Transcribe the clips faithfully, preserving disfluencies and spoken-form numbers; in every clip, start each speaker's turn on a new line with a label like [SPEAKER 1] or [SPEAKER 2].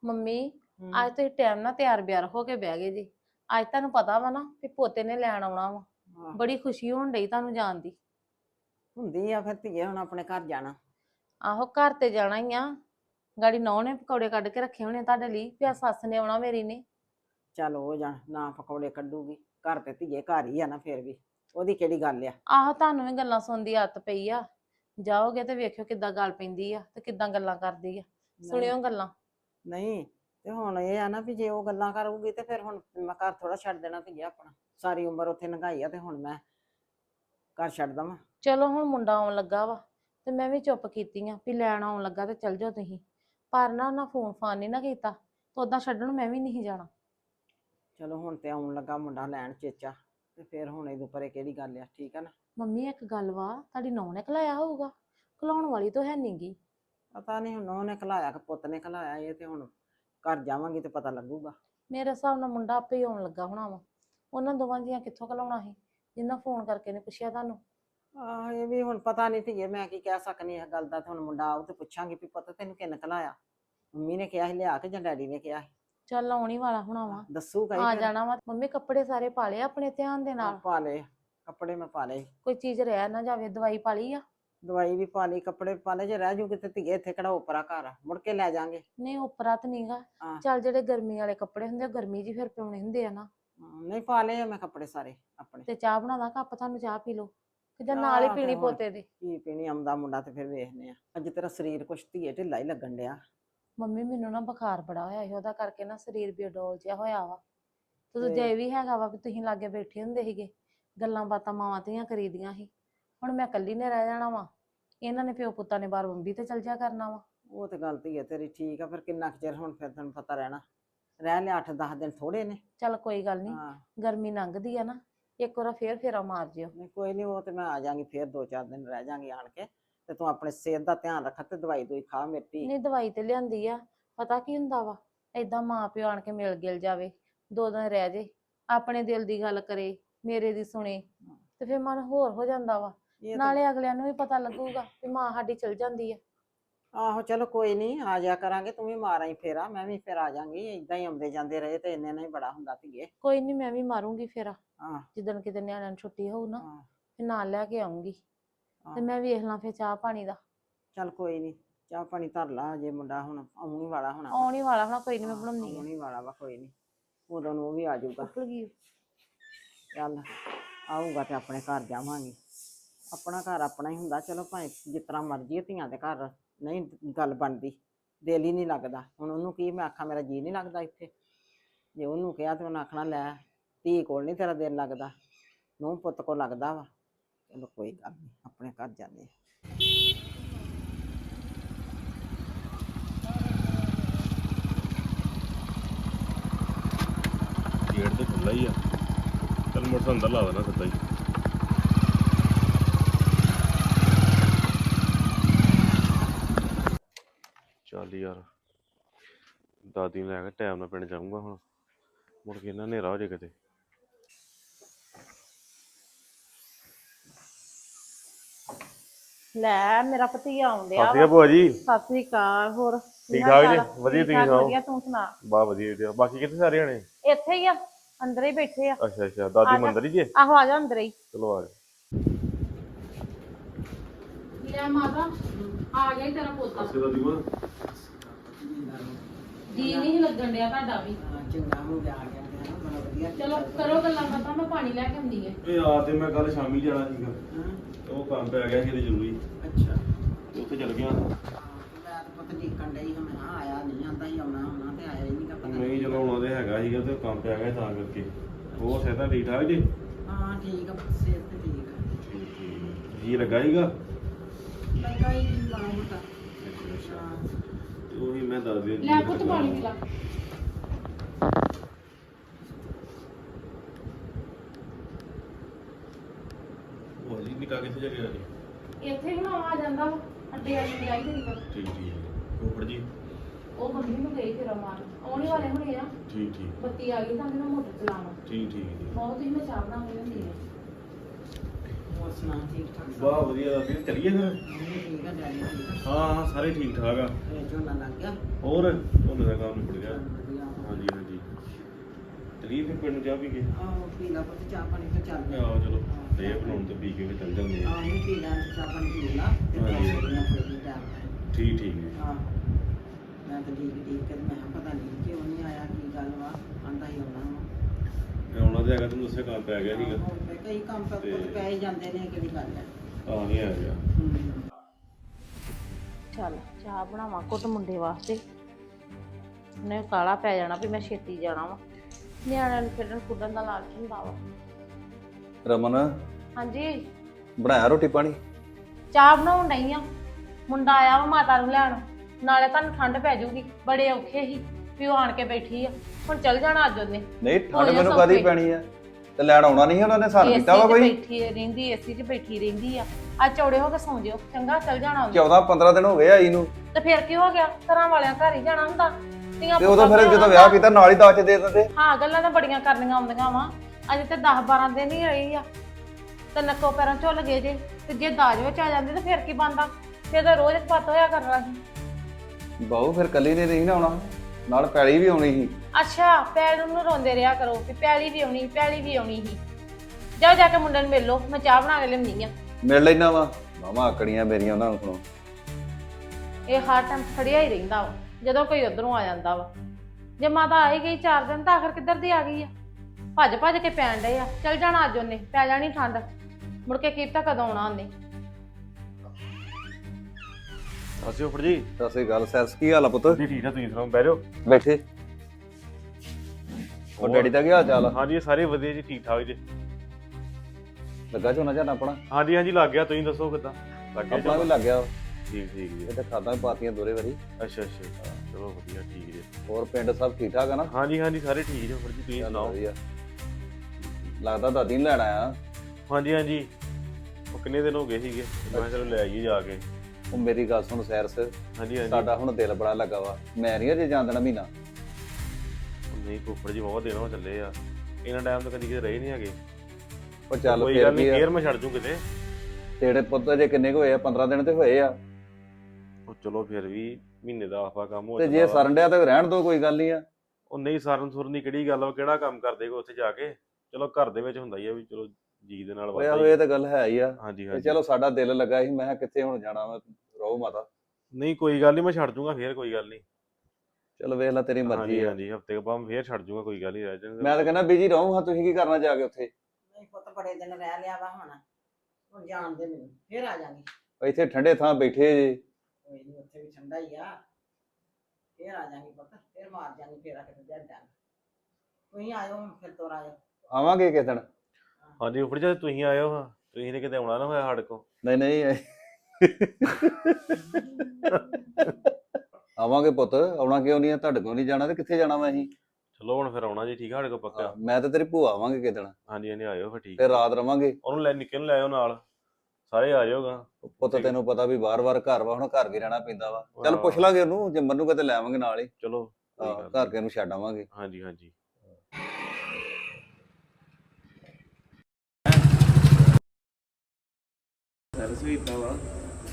[SPEAKER 1] Mummy
[SPEAKER 2] ਹੂੰ
[SPEAKER 1] ਅੱਜ ਤੁਸੀਂ ਟਾਈਮ ਨਾਲ ਤਿਆਰ ਬਿਆਰ ਹੋ ਕੇ ਬਹਿ ਗਏ ਜੀ। ਅੱਜ ਤੁਹਾਨੂੰ ਪਤਾ ਵਾ ਨਾ ਵੀ ਪੋਤੇ ਨੇ ਲੈਣ ਆਉਣਾ ਵਾ।
[SPEAKER 2] ਆਹ,
[SPEAKER 1] ਬੜੀ ਖੁਸ਼ੀ ਹੋਣ ਡਈ ਤੁਹਾਨੂੰ ਜਾਣ ਦੀ।
[SPEAKER 2] ਹੁੰਦੀ ਆ ਫਿਰ ਧੀਏ ਹੁਣ ਆਪਣੇ ਘਰ ਜਾਣਾ।
[SPEAKER 1] ਆਹੋ ਘਰ ਤੇ ਜਾਣਾ ਹੀ ਆ। ਗਾੜੀ ਨੌ ਨੇ ਪਕੌੜੇ ਕੱਢ ਕੇ ਰੱਖੇ ਹੋਣੇ ਤੁਹਾਡੇ ਲਈ ਪਿਆ ਸੱਸ ਨੇ ਆਉਣਾ ਮੇਰੀ ਨੇ।
[SPEAKER 2] ਚੱਲ ਉਹ ਜਾਣ ਨਾ ਪਕੌੜੇ ਕੱਢੂਗੀ ਘਰ ਤੇ ਧੀਏ ਘਰ ਹੀ ਆ ਨਾ ਫਿਰ ਵੀ ਉਹਦੀ ਕਿਹੜੀ ਗੱਲ ਆ।
[SPEAKER 1] ਆਹੋ ਤੁਹਾਨੂੰ ਵੀ ਗੱਲਾਂ ਸੁਣਨ ਦੀ ਆਦਤ ਪਈ ਆ। ਜਾਓਗੇ ਤੇ ਵੇਖਿਓ ਕਿੱਦਾਂ ਗੱਲ ਪੈਂਦੀ ਆ ਤੇ ਕਿੱਦਾਂ ਗੱਲਾਂ ਕਰਦੀ ਆ।
[SPEAKER 2] ਨਹੀਂ
[SPEAKER 1] ਸੁਣਿਓ ਗੱਲਾਂ।
[SPEAKER 2] ਨਹੀਂ ਤੇ ਹੁਣ ਇਹ ਆ ਨਾ ਵੀ ਜੇ ਉਹ ਗੱਲਾਂ ਕਰੂਗੀ ਤੇ ਫਿਰ ਹੁਣ ਮੈਂ ਘਰ ਥੋੜਾ ਛੱਡ ਦੇਣਾ ਧੀਏ ਆਪਣਾ। ਸਾਰੀ ਉਮਰ ਉੱਥੇ ਲੰਘਾਈ ਆ ਤੇ ਹੁਣ ਮੈਂ ਘਰ ਛੱਡ ਦਵਾਂ।
[SPEAKER 1] ਚਲੋ ਹੁਣ ਮੁੰਡਾ ਆਉਣ ਲੱਗਾ ਵਾ ਤੇ ਮੈਂ ਵੀ ਚੁੱਪ ਕੀਤੀ ਆ ਵੀ ਲੈਣ ਆਉਣ ਲੱਗਾ ਤੇ ਚੱਲ ਜਾਓ ਤੁਸੀਂ। ਪਰ ਨਾ ਉਹਨਾਂ ਫੋਨ ਫਾਨ ਨਹੀਂ ਨਾ ਕੀਤਾ ਤੇ ਉਦਾਂ ਛੱਡਣ ਮੈਂ ਵੀ ਨਹੀਂ ਜਾਣਾ।
[SPEAKER 2] ਚਲੋ ਹੁਣ ਤੇ ਆਉਣ ਲੱਗਾ ਮੁੰਡਾ ਲੈਣ ਚੇਚਾ ਤੇ ਫਿਰ ਹੁਣ ਇਹਦੇ ਪਰੇ ਕਿਹੜੀ ਗੱਲ ਆ। ਠੀਕ ਆ ਨਾ।
[SPEAKER 1] ਮੰਮੀ ਇੱਕ ਗੱਲ ਵਾ ਤੁਹਾਡੀ ਨੌਂ ਨੇ ਖਲਾਇਆ ਹੋਊਗਾ। ਖਲਾਉਣ ਵਾਲੀ ਤਾਂ ਹੈ ਨੀ ਗੀ।
[SPEAKER 2] ਪਤਾ ਨਹੀਂ ਹੁਣ ਉਹਨੇ ਖਲਾਇਆ ਕਿ ਪੁੱਤ ਨੇ ਖਲਾਇਆ ਇਹ ਤੇ ਹੁਣ ਘਰ ਜਾਵਾਂਗੀ ਤੇ ਪਤਾ ਲੱਗੂਗਾ।
[SPEAKER 1] ਮੇਰੇ ਹਿਸਾਬ ਨਾਲ ਮੁੰਡਾ ਆਪੇ ਹੀ ਆਉਣ ਲੱਗਾ ਹੋਣਾ ਵਾ। ਉਹਨਾਂ ਦੋਵਾਂ ਜੀਆਂ ਕਿੱਥੋਂ ਖਲਾਉਣਾ ਸੀ ਜਿੰਨਾ ਫੋਨ ਕਰਕੇ ਨੇ ਪੁੱਛਿਆ ਤੁਹਾਨੂੰ।
[SPEAKER 2] ਆਹ ਇਹ ਵੀ ਹੁਣ ਪਤਾ ਨਹੀਂ ਧੀਏ ਮੈਂ ਕੀ ਕਹਿ ਸਕਨੀ ਇਸ ਗੱਲ ਦਾ ਤੇ ਹੁਣ ਮੁੰਡਾ ਆਊ ਤੇ ਪੁੱਛਾਂਗੀ ਵੀ ਪੁੱਤ ਤੈਨੂੰ ਕਿੰਨ ਘਲਾਇਆ। ਮੰਮੀ ਨੇ ਕਿਹਾ ਸੀ ਲਿਆ ਕੇ ਜਾਂ ਡੈਡੀ ਨੇ ਕਿਹਾ ਸੀ।
[SPEAKER 1] ਚੱਲ ਆਉਣ ਹੀ ਵਾਲਾ ਹੋਣਾ ਵਾ।
[SPEAKER 2] ਦੱਸੂਗਾ ਹੀ
[SPEAKER 1] ਆ
[SPEAKER 2] ਫਿਰ।
[SPEAKER 1] ਜਾਣਾ ਵਾ। ਮੰਮੀ ਕੱਪੜੇ ਸਾਰੇ ਪਾ ਲਏ ਆਪਣੇ ਧਿਆਨ ਦੇ
[SPEAKER 2] ਆਹ
[SPEAKER 1] ਨਾਲ।
[SPEAKER 2] ਪਾ ਲਏ ਕੱਪੜੇ ਮੈਂ ਪਾ ਲਏ।
[SPEAKER 1] ਕੋਈ ਚੀਜ਼ ਰਹਿ ਨਾ ਜਾਵੇ। ਦਵਾਈ ਪਾ ਲਈ ਆ।
[SPEAKER 2] ਦਵਾਈ ਵੀ ਪਾ ਲਈ ਕੱਪੜੇ ਵੀ ਪਾ ਲਏ ਜੇ ਰਹਿ ਜੂਗੀ ਤੇ ਧੀਏ ਇੱਥੇ ਕਿਹੜਾ ਓਪਰਾ ਘਰ ਆ ਮੁੜ ਕੇ ਲੈ ਜਾਾਂਗੇ।
[SPEAKER 1] ਨਹੀਂ ਉਪਰਾ ਤਾਂ ਨਹੀਂਗਾ।
[SPEAKER 2] ਹਾਂ
[SPEAKER 1] ਚੱਲ ਜਿਹੜੇ ਗਰਮੀ ਵਾਲੇ ਕੱਪੜੇ ਹੁੰਦੇ ਆ ਗਰਮੀ ਜੀ ਫਿਰ ਪਿਉਣੇ ਹੁੰਦੇ ਆ ਨਾ।
[SPEAKER 2] ਹਾਂ, ਨਹੀਂ ਪਾ ਲਏ ਆ ਮੈਂ ਕੱਪੜੇ ਸਾਰੇ ਆਪਣੇ।
[SPEAKER 1] ਤੇ ਚਾਹ ਬਣਾਦਾ ਕੱਪ ਤੁਹਾਨੂੰ ਚਾਹ ਪੀ ਲਓ ਕਿ ਜਾਂ ਨਾਲ ਹੀ
[SPEAKER 2] ਚਾਹ ਤੇ
[SPEAKER 1] ਪੀਣੀ
[SPEAKER 2] ਹੁਣ
[SPEAKER 1] ਪੋਤੇ ਦੇ।
[SPEAKER 2] ਕੀ ਪੀਣੀ ਆਉਂਦਾ ਮੁੰਡਾ ਤੇ ਫਿਰ ਵੇਖਦੇ ਆ। ਅੱਜ ਤੇਰਾ ਸਰੀਰ ਕੁਛ ਧੀਏ ਢਿੱਲਾ ਹੀ ਲੱਗਣ ਡਿਆ।
[SPEAKER 1] ਮੰਮੀ ਮੈਨੂੰ ਨਾ ਬੁਖਾਰ ਬੜਾ ਹੋਇਆ ਸੀ ਉਹਦਾ ਕਰਕੇ ਨਾ ਸਰੀਰ ਬੇਡੋਲ ਜਿਹਾ ਹੋਇਆ ਵਾ। ਤੇ
[SPEAKER 2] ਤੇ
[SPEAKER 1] ਦੂਜਾ ਇਹ ਵੀ ਹੈਗਾ ਵਾ ਵੀ ਤੁਸੀਂ ਲਾਗੇ ਬੈਠੇ ਹੁੰਦੇ ਸੀਗੇ ਗੱਲਾਂ ਬਾਤਾਂ ਮਾਵਾਂ ਧੀਆਂ ਕਰੀਦੀਆਂ ਸੀ। ਹੁਣ ਮੈਂ ਇਕੱਲੀ ਨੇ ਰਹਿ ਜਾਣਾ ਵਾ। ਇਹਨਾਂ ਨੇ ਪਿਓ ਪੁੱਤਾਂ ਨੇ ਬਾਹਰ ਬੰਬੀ ਤੇ ਚਲ ਜਾ ਕਰਨਾ ਵਾ।
[SPEAKER 2] ਉਹ ਤੇ ਗੱਲ ਧੀਏ ਤੇਰੀ ਠੀਕ ਆ ਫਿਰ ਕਿੰਨਾ ਕੁ ਚਿਰ ਹੁਣ ਫਿਰ ਤੈਨੂੰ ਪਤਾ ਰਹਿਣਾ। ਰਹਿ ਲਿਆ ਅੱਠ ਦਸ ਦਿਨ ਥੋੜੇ ਨੇ।
[SPEAKER 1] ਚੱਲ ਕੋਈ ਗੱਲ ਨਹੀਂ।
[SPEAKER 2] ਹਾਂ
[SPEAKER 1] ਗਰਮੀ ਲੰਘਦੀ ਆ ਨਾ ਇੱਕ ਵਾਰ ਫੇਰ ਫੇਰਾ ਮਾਰ ਜਿਓ।
[SPEAKER 2] ਨਹੀਂ ਕੋਈ ਨਹੀਂ ਉਹ ਤੇ ਮੈਂ ਆ ਜਾਾਂਗੀ ਫਿਰ ਦੋ ਚਾਰ ਦਿਨ ਰਹਿ ਜਾਾਂਗੀ ਆਣ ਕੇ ਤੇ ਤੂੰ ਆਪਣੇ ਸਿਹਤ ਦਾ ਧਿਆਨ ਰੱਖ ਤੇ ਦਵਾਈ ਦੂਈ ਖਾ ਮੇਰੀ।
[SPEAKER 1] ਨਹੀਂ ਦਵਾਈ ਤੇ ਲਿਆਂਦੀ ਆ। ਪਤਾ ਕੀ ਹੁੰਦਾ ਵਾ ਏਦਾਂ ਮਾਂ ਪਿਓ ਆਣ ਕੇ ਮਿਲ ਗਿਲ ਜਾਵੇ ਦੋ ਦਿਨ ਰਹਿ ਜੇ ਆਪਣੇ ਦਿਲ ਦੀ ਗੱਲ ਕਰੇ ਮੇਰੇ ਦੀ ਸੁਣੇ ਤੇ ਫਿਰ ਮਨ ਹੋਰ ਹੋ ਜਾਂਦਾ ਵਾ।
[SPEAKER 2] ਇਹ ਤਾਂ
[SPEAKER 1] ਨਾਲੇ ਅਗਲਿਆਂ ਨੂੰ ਵੀ ਪਤਾ ਲੱਗੂਗਾ ਵੀ ਮਾਂ ਸਾਡੀ ਚਲ ਜਾਂਦੀ ਆ।
[SPEAKER 2] ਆਹੋ ਚਲੋ ਕੋਈ ਨਹੀਂ ਆ ਜਾ ਕਰਾਂਗੇ ਤੂੰ ਵੀ ਮਾਰਾਂ ਹੀ ਫੇਰਾ ਮੈਂ ਵੀ ਫਿਰ ਆ ਜਾਾਂਗੀ ਏਦਾਂ ਹੀ ਆਉਂਦੇ ਜਾਂਦੇ ਰਹੇ ਤੇ ਇੰਨੇ ਨਾਲ ਹੀ ਬੜਾ ਹੁੰਦਾ ਧੀਏ।
[SPEAKER 1] ਕੋਈ ਨਹੀਂ ਮੈਂ ਵੀ ਮਾਰੂੰਗੀ ਫੇਰਾ।
[SPEAKER 2] ਹਾਂ
[SPEAKER 1] ਜਿੱਦਣ ਕਿਤੇ ਨਿਆਣਿਆਂ ਨੂੰ ਛੁੱਟੀ ਹੋਊ ਨਾ
[SPEAKER 2] ਹਾਂ
[SPEAKER 1] ਫਿਰ ਨਾਲ ਲੈ ਕੇ ਆਉਂਗੀ ਤੇ
[SPEAKER 2] ਹਾਂ
[SPEAKER 1] ਮੈਂ ਵੇਖ ਲਾਂ ਫਿਰ ਚਾਹ ਪਾਣੀ ਦਾ।
[SPEAKER 2] ਚੱਲ ਕੋਈ ਨਹੀਂ ਚਾਹ ਪਾਣੀ ਧਰ ਲਾ ਜੇ ਮੁੰਡਾ ਹੁਣ ਆਉਣ ਹੀ ਵਾਲਾ ਹੋਣਾ ਵਾ।
[SPEAKER 1] ਆਉਣ ਹੀ ਵਾਲਾ ਹੋਣਾ ਕੋਈ ਨਹੀਂ ਮੈਂ
[SPEAKER 2] ਹਾਂ,
[SPEAKER 1] ਬਣਾਉਣੀ
[SPEAKER 2] ਆਉਣ
[SPEAKER 1] ਆ।
[SPEAKER 2] ਹੀ ਵਾਲਾ ਵਾ ਕੋਈ ਨਹੀਂ ਉਦੋਂ ਨੂੰ ਉਹ ਵੀ ਆ ਜਾਊਗਾ।
[SPEAKER 1] ਉੱਪਰ ਗਈ
[SPEAKER 2] ਚੱਲ ਆਊਗਾ ਤੇ ਆਪਣੇ ਘਰ ਜਾਵਾਂਗੇ। ਆਪਣਾ ਘਰ ਆਪਣਾ ਹੀ ਹੁੰਦਾ ਚਲੋ ਭਾਵੇਂ ਜਿਸ ਤਰ੍ਹਾਂ ਮਰਜ਼ੀ ਧੀਆਂ ਦੇ ਘਰ ਨਹੀਂ ਗੱਲ ਬਣਦੀ ਦਿਲ ਹੀ ਨਹੀਂ ਲੱਗਦਾ। ਹੁਣ ਉਹਨੂੰ ਕੀ ਮੈਂ ਆਖਾਂ ਮੇਰਾ ਜੀਅ ਨਹੀਂ ਲੱਗਦਾ ਇੱਥੇ। ਜੇ ਉਹਨੂੰ ਕਿਹਾ ਤੇ ਉਹਨੇ ਆਖਣਾ ਲੈ ਧੀ ਕੋਲ ਨਹੀਂ ਤੇਰਾ ਦਿਲ ਲੱਗਦਾ ਨੂੰਹ ਪੁੱਤ ਕੋਲ ਲੱਗਦਾ ਵਾ। ਚਲੋ ਕੋਈ ਗੱਲ ਨਹੀਂ ਆਪਣੇ ਘਰ ਜਾਂਦੇ ਆ।
[SPEAKER 3] ਗੇਟ ਤੇ ਖੁੱਲ੍ਹਾ ਹੀ ਆ। ਚੱਲ ਮੋਟਰ ਅੰਦਰ ਲਾ ਦੇਣਾ ਸਿੱਧਾ ਹੀ। ਚੱਲ ਯਾਰ ਦਾਦੀ ਨੂੰ ਲੈ ਕੇ ਟਾਈਮ ਨਾਲ ਪਿੰਡ ਜਾਊਂਗਾ ਹੁਣ ਮੁੜ ਕੇ ਇਹਨਾਂ ਹਨੇਰਾ ਹੋ ਜੇ ਕਿਤੇ।
[SPEAKER 1] ਲੈ ਮੇਰਾ ਭਤੀਆ ਆਉਂਦਿਆ
[SPEAKER 3] ਸਤਿ ਸ਼੍ਰੀ ਅਕਾਲ ਭੂਆ ਜੀ।
[SPEAKER 1] ਸਤਿ ਸ੍ਰੀ ਅਕਾਲ। ਹੋਰ ਕੀ
[SPEAKER 3] ਠੀਕ
[SPEAKER 1] ਹਾਲ
[SPEAKER 3] ਠਾਕ ਜੀ?
[SPEAKER 1] ਚਾਲ ਆ?
[SPEAKER 3] ਵਧੀਆ,
[SPEAKER 1] ਠੀਕ
[SPEAKER 3] ਤੁਸੀਂ
[SPEAKER 1] ਠਾਕ,
[SPEAKER 3] ਸੁਣਾਓ?
[SPEAKER 1] ਵਧੀਆ ਤੂੰ ਸੁਣਾ।
[SPEAKER 3] ਬਾ ਵਧੀਆ ਵਧੀਆ। ਬਾਕੀ ਕਿੱਥੇ ਸਾਰੇ ਜਣੇ?
[SPEAKER 1] ਇੱਥੇ ਹੀ ਆ ਅੰਦਰ ਹੀ ਬੈਠੇ ਆ।
[SPEAKER 3] ਅੱਛਾ ਅੱਛਾ ਦਾਦੀ
[SPEAKER 1] ਆ ਜਾ।
[SPEAKER 3] ਮੰਦਰ ਹੀ ਜੇ?
[SPEAKER 1] ਆਹੋ ਆ ਜਾ ਅੰਦਰ ਹੀ।
[SPEAKER 3] ਚਲੋ ਆ ਜਾ।
[SPEAKER 1] ਲੈ ਮਾਤਾ ਆ ਗਿਆ ਈ ਤੇਰਾ ਪੋਤਾ।
[SPEAKER 3] ਅੱਛਾ ਦਾਦੀ ਮਾਂ
[SPEAKER 1] ਜੀ ਨਹੀਂ ਲੱਗਣ ਡਿਆ ਤੁਹਾਡਾ ਵੀ।
[SPEAKER 2] ਚੰਗਾ ਹੋ ਗਿਆ ਆ ਗਿਆ ਨਾ ਬੜਾ ਵਧੀਆ।
[SPEAKER 1] ਚਲੋ ਕਰੋ ਗੱਲਾਂ ਬਾਤਾਂ ਮੈਂ ਪਾਣੀ ਲੈ ਕੇ ਆਉਂਦੀ ਆ।
[SPEAKER 3] ਇਹ ਆ ਤੇ ਮੈਂ ਕੱਲ ਸ਼ਾਮੀ ਜਾਣਾ ਸੀਗਾ
[SPEAKER 2] ਹਾਂ
[SPEAKER 3] ਉਹ ਕੰਮ ਪੈ ਗਿਆ ਕਿਤੇ ਜ਼ਰੂਰੀ
[SPEAKER 2] ਅੱਛਾ
[SPEAKER 3] ਉੱਥੇ ਚਲ ਗਿਆ।
[SPEAKER 2] ਮੈਂ ਤਾਂ ਪਤਾ ਡੀਕਣ ਡਈ ਹਾਂ ਮੈਂ ਕਿਹਾ ਆਇਆ ਨਹੀਂ ਆਂਦਾ ਹੀ ਆਉਣਾ ਆਉਣਾ ਤੇ ਆਇਆ ਹੀ ਨਹੀਂ ਪਤਾ
[SPEAKER 3] ਨਹੀਂ ਚਲੋ ਆਉਣਾ ਤੇ ਹੈਗਾ ਸੀਗਾ ਤੇ ਕੰਮ ਪੈ ਗਿਆ ਤਾਂ ਕਰਕੇ। ਹੋਰ ਸਿਹਤਾਂ ਠੀਕ ਠਾਕ ਜੀ?
[SPEAKER 2] ਹਾਂ ਠੀਕ ਆ ਸਿਹਤ ਤੇ ਠੀਕ ਆ।
[SPEAKER 3] ਠੀਕ ਠੀਕ ਜੀ ਲੱਗਾ ਸੀਗਾ?
[SPEAKER 2] ਲੱਗਾ ਹੀ ਨਹੀਂ ਮਾੜਾ ਮੋਟਾ।
[SPEAKER 3] ਅੱਛਾ ਅੱਛਾ
[SPEAKER 2] ਹਾਂ
[SPEAKER 3] ਤੇ ਉਹੀ ਮੈਂ ਦੱਸ ਦਿਆਂ
[SPEAKER 1] ਲੈ ਪੁੱਤ ਪਾਣੀ ਪੀ ਲਾ।
[SPEAKER 3] ਉਹ ਜੀ ਨਿਕਾ ਕਿੱਥੇ ਜਾ ਗਿਆ ਜੀ?
[SPEAKER 1] ਇੱਥੇ ਹੀ ਹੁਣ ਆ ਜਾਂਦਾ ਵਾ ਅੱਡੇ ਵਾਲੀ ਦੀ ਆਈ ਤੇਰੀ
[SPEAKER 3] ਠੀਕ ਠੀਕ ਕੋਪੜ ਜੀ।
[SPEAKER 1] ਉਹ ਮੰਮੀ ਨੂੰ ਗਈ ਫਿਰ ਮਾਰ ਆਉਣੇ ਵਾਲੇ ਹੋਣੇ ਆ।
[SPEAKER 3] ਠੀਕ ਠੀਕ
[SPEAKER 1] ਬੱਤੀ ਆ ਗਈ ਤਾਂ ਮੈਂ ਮੋਟਰ ਚਲਾਵਾਂ।
[SPEAKER 3] ਠੀਕ ਠੀਕ ਜੀ।
[SPEAKER 1] ਬਹੁਤ ਹੀ ਮੈਂ ਚਾਹ ਬਣਾ ਕੇ ਹੁੰਦੀ ਆ।
[SPEAKER 2] ਹੋਰ ਸੁਣਾ ਠੀਕ ਠਾਕ ਸਭ?
[SPEAKER 3] ਵਾਹ ਵਧੀਆ ਫਿਰ ਚੱਲੀਏ ਫਿਰ
[SPEAKER 2] ਮੰਮੀ ਠੀਕ ਆ, ਡੈਡੀ ਠੀਕ ਆ?
[SPEAKER 3] ਹਾਂ ਹਾਂ ਸਾਰੇ ਠੀਕ ਠਾਕ ਆ
[SPEAKER 2] ਤੇ ਝੋਨਾ ਲੱਗ ਗਿਆ?
[SPEAKER 3] ਹੋਰ ਉਹਨੇ ਦਾ ਕੰਮ ਨਿਬੜ ਗਿਆ
[SPEAKER 2] ਵਧੀਆ।
[SPEAKER 3] ਹਾਂਜੀ ਹਾਂਜੀ ਚੱਲੀਏ ਫਿਰ ਪਿੰਡ ਨੂੰ ਚਾਹ ਪੀ ਕੇ
[SPEAKER 2] ਆਹੋ ਪੀ ਲਾ ਪੁੱਤ ਚਾਹ ਪਾਣੀ ਤੇ ਚੱਲ
[SPEAKER 3] ਆਹੋ ਚਲੋ ਤੇ ਬਣਾਉਣ ਤੇ ਪੀ ਕੇ ਫਿਰ ਚੱਲ ਜਾਂਦੇ ਆ
[SPEAKER 2] ਆਹ ਨਹੀਂ ਪੀ ਲਾ ਚਾਹ ਪਾਣੀ ਪੀ ਲਾ ਤੇ
[SPEAKER 3] ਹਾਂਜੀ।
[SPEAKER 2] ਚੱਲ ਜਾਂਦੇ ਆ ਕੋਈ ਨਹੀਂ ਟਾਈਮ।
[SPEAKER 3] ਠੀਕ ਠੀਕ ਜੀ
[SPEAKER 2] ਆਹ ਮੈਂ ਤਾਂ ਠੀਕ ਠੀਕ ਕਰ ਮੈਂ ਕਿਹਾ ਪਤਾ ਨਹੀਂ ਕਿਉਂ ਨਹੀਂ ਆਇਆ ਕੀ ਗੱਲ ਵਾ ਆਂਦਾ ਹੀ ਆਉਣਾ ਵਾ।
[SPEAKER 3] ਮੈਂ ਆਉਣਾ ਤੇ ਹੈਗਾ ਤੈਨੂੰ ਦੱਸਿਆ ਕੰਮ ਪੈ ਗਿਆ ਸੀਗਾ
[SPEAKER 2] ਆਹੋ, ਤੇ ਕਈ ਕੰਮ ਤਾਂ
[SPEAKER 3] ਤੇ-
[SPEAKER 2] ਪੈ ਹੀ ਜਾਂਦੇ ਨੇ ਕਿਹੜੀ ਗੱਲ ਹੈ।
[SPEAKER 3] ਆ ਨਹੀਂ ਆ ਗਿਆ
[SPEAKER 2] ਹੂੰ।
[SPEAKER 1] ਚੱਲ ਚਾਹ ਬਣਾਵਾਂ ਕੁੱਟ ਮੁੰਡੇ ਵਾਸਤੇ ਉਹਨੇ ਕਾਲਾ ਪੈ ਜਾਣਾ ਵੀ ਮੈਂ ਛੇਤੀ ਜਾਣਾ ਵਾ ਨਿਆਣਿਆਂ ਨੂੰ ਖੇਡਣ ਕੁੱਦਣ ਦਾ ਲਾਲਚ ਹੁੰਦਾ ਵਾ।
[SPEAKER 4] ਰਮਨ
[SPEAKER 1] ਹਾਂਜੀ
[SPEAKER 4] ਬਣਾਇਆ ਰੋਟੀ ਪਾਣੀ?
[SPEAKER 1] ਚਾਹ ਬਣਾਉਣ ਡਈ ਆ ਮੁੰਡਾ ਆਇਆ ਵਾ ਮਾਤਾ ਨੂੰ ਲੈਣ ਨਾਲੇ ਤੁਹਾਨੂੰ ਠੰਡ ਪੈ ਜਾਊਗੀ ਬੜੇ ਔਖੇ ਸੀ ਵੀ ਉਹ ਆਣ ਕੇ ਬੈਠੀ ਆ ਹੁਣ ਚੱਲ ਜਾਣਾ ਅੱਜ ਉਹਨੇ
[SPEAKER 4] ਨਹੀਂ
[SPEAKER 1] ਹੋ
[SPEAKER 4] ਠੰਡ
[SPEAKER 1] ਜਾ
[SPEAKER 4] ਮੈਨੂੰ
[SPEAKER 1] ਸੌਖੇ।
[SPEAKER 4] ਕਾਦੀ ਪੈਣੀ ਆ ਤੇ ਲੈਣ ਆਉਣਾ ਨਹੀਂ ਉਹਨਾਂ ਨੇ ਸਾਰ
[SPEAKER 1] ਏਸੀ
[SPEAKER 4] ਕੀਤਾ ਵਾ
[SPEAKER 1] 'ਚ
[SPEAKER 4] ਕੋਈ?
[SPEAKER 1] ਬੈਠੀ ਰਹਿੰਦੀ ਏਸੀ 'ਚ ਬੈਠੀ ਰਹਿੰਦੀ ਆ ਅੱਜ ਚੌੜੇ ਹੋ ਕੇ ਸੌਂ ਜਿਓ ਚੰਗਾ ਚੱਲ ਜਾਣਾ ਉਹਨੇ
[SPEAKER 4] ਚੌਦਾਂ ਪੰਦਰਾਂ ਦਿਨ ਹੋ ਗਏ ਆਈ ਨੂੰ
[SPEAKER 1] ਤੇ ਫਿਰ ਕੀ ਹੋ ਗਿਆ ਘਰਾਂ ਵਾਲਿਆਂ ਘਰ ਹੀ ਜਾਣਾ ਹੁੰਦਾ ਧੀਆਂ
[SPEAKER 4] ਤੇ ਉਦੋਂ
[SPEAKER 1] ਪੁੱਤਾਂ
[SPEAKER 4] ਫਿਰ
[SPEAKER 1] ਘਰ
[SPEAKER 4] ਜਦੋਂ
[SPEAKER 1] ਹੁੰਦਾ।
[SPEAKER 4] ਵਿਆਹ ਕੀਤਾ ਨਾਲ ਹੀ ਦਾਜ ਦੇ ਦਿੰਦੇ।
[SPEAKER 1] ਹਾਂ ਗੱਲਾਂ ਤਾਂ ਬੜੀਆਂ ਕਰਨੀਆਂ ਆਉਂਦੀਆਂ ਵਾ ਅਜੇ ਤੇ ਦਸ ਬਾਰਾਂ ਦਿਨ ਹੀ ਰਹੀ ਆ ਤੇ ਨੱਕੋ ਪੈਰਾਂ ਝੁੱਲ ਗਏ ਜੇ ਤੇ ਜੇ ਦਾਜ ਵਿੱਚ ਆ ਜਾਂਦੇ ਤੇ ਫਿਰ ਕੀ ਬਣਦਾ ਫਿਰ ਤਾਂ ਰੋਜ਼ ਪੱਤ ਹੋਇਆ ਕਰਨਾ ਸੀ।
[SPEAKER 4] ਬਾਹੂ ਫਿਰ ਕੱਲੀ ਨੇ ਨਹੀਂ ਨਾ ਆਉਣਾ ਨਾਲ ਪੈਲੀ ਵੀ ਆਉਣੀ ਸੀ।
[SPEAKER 1] ਅੱਛਾ ਪੈਲ ਨੂੰ ਰੋਂਦੇ ਰਿਹਾ ਕਰੋ ਕਿ ਪੈਲੀ ਵੀ ਆਉਣੀ ਪੈਲੀ ਵੀ ਆਉਣੀ ਸੀ ਜਾਓ ਜਾ ਕੇ ਮੁੰਡੇ ਨੂੰ ਮਿਲ ਲਓ ਮੈਂ ਚਾਹ ਬਣਾ ਕੇ ਲਿਆਉਂਦੀ ਆ
[SPEAKER 4] ਮਿਲ ਲੈਣਾ ਵਾ ਮਾਮਾ ਆਕੜੀਆਂ ਮੇਰੀਆਂ ਉਹਨਾਂ ਨੂੰ।
[SPEAKER 1] ਇਹ ਹਰ ਟਾਈਮ ਖੜਿਆ ਹੀ ਰਹਿੰਦਾ ਵਾ ਜਦੋਂ ਕੋਈ ਉਧਰੋਂ ਆ ਜਾਂਦਾ ਵਾ ਜੇ ਮਾਤਾ ਆਈ ਗਈ ਚਾਰ ਦਿਨ ਤਾਂ ਆਖਰ ਕਿੱਧਰ ਦੀ ਆ ਗਈ ਆ ਭੱਜ ਭੱਜ ਕੇ ਪੈਣ ਡਏ ਆ ਚੱਲ ਜਾਣਾ ਅੱਜ ਉਹਨੇ ਪੈ ਜਾਣੀ ਠੰਡ ਮੁੜ ਕੇ ਕੀ ਪਤਾ ਕਦੋਂ ਆਉਣਾ ਉਹਨੇ
[SPEAKER 3] ਅਸੀਂ ਉਪਰ ਜੀ
[SPEAKER 4] ਸਤਿ ਸ੍ਰੀ ਅਕਾਲ ਸੈਰਸ ਕੀ ਹਾਲ ਆ ਪੁੱਤ?
[SPEAKER 3] ਜੀ ਠੀਕ ਆ ਤੁਸੀਂ ਸੁਣਾਓ ਬਹਿ ਜਾਓ
[SPEAKER 4] ਬੈਠੇ। ਉਹ ਡੈਡੀ ਦਾ ਕੀ ਹਾਲ ਚਾਲ ਆ?
[SPEAKER 3] ਹਾਂਜੀ ਸਾਰੇ ਵਧੀਆ ਜੀ ਠੀਕ ਠਾਕ ਜੀ
[SPEAKER 4] ਲੱਗਾ ਝੋਨਾ ਝਾਨਾ ਆਪਣਾ?
[SPEAKER 3] ਹਾਂਜੀ ਹਾਂਜੀ ਲੱਗ ਗਿਆ ਤੁਸੀਂ ਦੱਸੋ ਕਿੱਦਾਂ ਲੱਗ ਗਿਆ
[SPEAKER 4] ਆਪਣਾ ਵੀ
[SPEAKER 3] ਜੀ?
[SPEAKER 4] ਲੱਗ ਗਿਆ।
[SPEAKER 3] ਠੀਕ ਠੀਕ ਜੀ
[SPEAKER 4] ਇਹ ਤਾਂ ਖਾਦਾਂ ਪਾਤੀਆਂ ਦੋਰੇ ਵਾਰੀ।
[SPEAKER 3] ਅੱਛਾ ਅੱਛਾ ਚਲੋ ਵਧੀਆ ਠੀਕ ਜੀ
[SPEAKER 4] ਹੋਰ ਪਿੰਡ ਸਭ ਠੀਕ ਠਾਕ ਆ ਨਾ?
[SPEAKER 3] ਹਾਂਜੀ ਹਾਂਜੀ ਸਾਰੇ ਠੀਕ ਜੀ ਉਪਰ ਜੀ ਤੁਸੀਂ
[SPEAKER 4] ਚੱਲ
[SPEAKER 3] ਸੁਣਾਓ
[SPEAKER 4] ਵਧੀਆ। ਲੱਗਦਾ ਦਾਦੀ ਨੂੰ ਲੈਣ ਆਇਆ।
[SPEAKER 3] ਹਾਂਜੀ ਹਾਂਜੀ ਉਹ ਕਿੰਨੇ ਦਿਨ ਹੋ ਗਏ ਸੀਗੇ ਮੈਂ ਕਿਹਾ ਚਲੋ ਲੈ ਆਈਏ ਜਾ ਕੇ
[SPEAKER 4] ਉਹ ਮੇਰੀ ਗੱਲ ਸੁਣ ਸੈਰਸ,
[SPEAKER 3] ਹਾਂਜੀ ਹਾਂਜੀ
[SPEAKER 4] ਸਾਡਾ ਹੁਣ ਦਿਲ ਬੜਾ ਲੱਗਾ ਵਾ। ਮੈਂ ਨਹੀਂ ਅਜੇ ਜਾਣ ਦੇਣਾ ਮਹੀਨਾ।
[SPEAKER 3] ਉਹ ਨਹੀਂ ਫੁੱਫੜ ਜੀ ਬਹੁਤ ਦਿਨ ਹੋ ਚੱਲੇ ਆ ਇਹਨਾਂ ਟਾਈਮ ਤਾਂ ਕਦੀ ਕਿਤੇ ਰਹੇ ਨਹੀਂ ਹੈਗੇ
[SPEAKER 4] ਉਹ ਚੱਲ
[SPEAKER 3] ਕੋਈ
[SPEAKER 4] ਫਿਰ
[SPEAKER 3] ਗੱਲ
[SPEAKER 4] ਵੀ
[SPEAKER 3] ਨਹੀਂ
[SPEAKER 4] ਆ,
[SPEAKER 3] ਫੇਰ ਮੈਂ ਛੱਡ ਜੂ ਕਿਤੇ
[SPEAKER 4] ਤੇਰੇ ਪੁੱਤ ਜੇ ਕਿੰਨੇ ਕੁ ਹੋਏ ਆ? ਪੰਦਰਾਂ ਦਿਨ ਤੇ ਹੋਏ ਆ।
[SPEAKER 3] ਉਹ ਚਲੋ ਫਿਰ ਵੀ ਮਹੀਨੇ ਦਾ ਆਫਾ ਕੰਮ ਹੋ
[SPEAKER 4] ਤੇ ਜੇ
[SPEAKER 3] ਜਾਂਦਾ ਵਾ।
[SPEAKER 4] ਸਰਨ ਡਿਆ ਤਾਂ ਰਹਿਣ ਦੋ, ਕੋਈ ਗੱਲ ਨਹੀਂ ਆ।
[SPEAKER 3] ਉਹ ਨਹੀਂ ਸਰਨ ਸੁਰਨ ਦੀ ਕਿਹੜੀ ਗੱਲ ਆ ਉਹ ਕਿਹੜਾ ਕੰਮ ਕਰਦੇ ਕੋ ਉੱਥੇ ਜਾ ਕੇ ਚਲੋ ਘਰ ਦੇ ਵਿੱਚ ਹੁੰਦਾ ਹੀ ਆ ਵੀ ਚਲੋ ਜੀ ਦੇ ਨਾਲ
[SPEAKER 4] ਓਏ
[SPEAKER 3] ਵਾਦਾ
[SPEAKER 4] ਆਹੋ ਇਹ ਤਾਂ ਗੱਲ ਹੈ ਹੀ ਆ।
[SPEAKER 3] ਹਾਂਜੀ
[SPEAKER 4] ਤੇ
[SPEAKER 3] ਹਾਂਜੀ
[SPEAKER 4] ਚਲੋ ਸਾਡਾ ਦਿਲ ਲੱਗਾ ਸੀ, ਮੈਂ ਕਿਹਾ ਕਿੱਥੇ ਹੁਣ ਜਾਣਾ ਵਾ, ਰਹੋ ਮਾਤਾ।
[SPEAKER 3] ਨਹੀਂ ਕੋਈ ਗੱਲ ਨਹੀਂ ਮੈਂ ਛੱਡ ਜੂਗਾ ਫੇਰ ਕੋਈ ਗੱਲ ਨਹੀਂ
[SPEAKER 4] ਚਲੋ ਵੇਖ ਲੈ ਤੇਰੀ ਮਰਜ਼ੀ
[SPEAKER 3] ਹਾਂਜੀ
[SPEAKER 4] ਆ।
[SPEAKER 3] ਹਾਂਜੀ ਹਫਤੇ ਬਾਅਦ ਮੈਂ ਫੇਰ ਛੱਡ ਜੂਗਾ ਕੋਈ ਗੱਲ ਨਹੀਂ ਰਹਿ ਜਾਣਗੇ
[SPEAKER 4] ਮੈਂ ਤਾਂ ਕਹਿੰਦਾ ਬਿਜੀ ਰਹੂੰ ਹਾਂ, ਤੁਸੀਂ ਕੀ ਕਰਨਾ ਜਾ ਕੇ ਉੱਥੇ?
[SPEAKER 2] ਨਹੀਂ ਪੁੱਤ ਬੜੇ ਦਿਨ ਰਹਿ ਲਿਆ ਵਾ ਹੁਣ ਹੁਣ ਜਾਣ ਦੇ ਮੈਨੂੰ ਫੇਰ ਆ ਜਾਾਂਗੇ।
[SPEAKER 4] ਇੱਥੇ ਠੰਡੇ ਥਾਂ ਬੈਠੇ ਜੇ।
[SPEAKER 2] ਕੋਈ ਨਹੀਂ ਉੱਥੇ ਵੀ ਠੰਡਾ ਹੀ ਆ ਫੇਰ ਆ ਜਾਾਂਗੇ ਪੁੱਤ ਫੇਰ ਮਾਰ ਜਾਾਂਗੇ ਫੇਰ ਆ ਕੇ ਡਰ ਡਾਂਗੇ ਤੁਸੀਂ ਆਇਓ ਹੁਣ ਫਿਰ ਤੋਰ ਆਇਓ।
[SPEAKER 4] ਆਵਾਂਗੇ ਕਿਸ ਦਿਨ।
[SPEAKER 3] ਹਾਂਜੀ ਉੱਪਰ ਜਦ ਤੁਸੀਂ ਆਇਓ ਹਾਂ ਤੁਸੀਂ ਨੇ ਕਿਤੇ ਆਉਣਾ ਨਾ ਹੋਇਆ ਸਾਡੇ ਕੋਲ
[SPEAKER 4] ਨਹੀਂ ਨਹੀਂ ਆਵਾਂਗੇ ਪੁੱਤ, ਆਉਣਾ ਕਿਉਂ ਨਹੀਂ ਆ? ਤੁਹਾਡੇ ਕੋਲ ਨਹੀਂ ਜਾਣਾ ਤੇ ਕਿੱਥੇ ਜਾਣਾ ਵਾ ਅਸੀਂ?
[SPEAKER 3] ਚਲੋ ਹੁਣ ਫਿਰ ਆਉਣਾ ਜੀ ਠੀਕ ਆ ਸਾਡੇ ਕੋਲ ਪੱਕਾ
[SPEAKER 4] ਹਾਂ, ਮੈਂ ਤੇ ਤੇਰੀ ਭੂਆ ਆਵਾਂਗੇ ਕਿਸ ਦਿਨ,
[SPEAKER 3] ਹਾਂਜੀ ਹਾਂਜੀ ਆਇਓ ਫਿਰ ਠੀਕ
[SPEAKER 4] ਫਿਰ ਰਾਤ ਰਵਾਂਗੇ।
[SPEAKER 3] ਉਹਨੂੰ ਲੈ ਨਿੱਕੇ ਨੂੰ ਲੈ ਆਇਓ ਨਾਲ ਸਾਰੇ ਆ ਜਾਓਗਾ
[SPEAKER 4] ਪੁੱਤ ਤੈਨੂੰ ਪਤਾ ਵੀ ਬਾਰ-ਬਾਰ ਘਰ ਵਾ, ਹੁਣ ਘਰ ਵੀ ਰਹਿਣਾ ਪੈਂਦਾ ਵਾ। ਚੱਲ
[SPEAKER 3] ਹਾਂ।
[SPEAKER 4] ਪੁੱਛ ਲਾਂਗੇ ਉਹਨੂੰ, ਜੇ ਮੰਨੂਗਾ ਤੇ ਲੈ ਆਵਾਂਗੇ ਨਾਲ ਹੀ।
[SPEAKER 3] ਚਲੋ ਕੋਈ
[SPEAKER 4] ਹਾਂ,
[SPEAKER 3] ਗੱਲ
[SPEAKER 4] ਘਰ
[SPEAKER 3] ਨੀ।
[SPEAKER 4] ਕੇ ਨੂੰ ਛੱਡ ਆਵਾਂਗੇ।
[SPEAKER 3] ਹਾਂਜੀ ਹਾਂਜੀ ਸਰਸ ਵੀ ਇਦਾਂ ਵਾ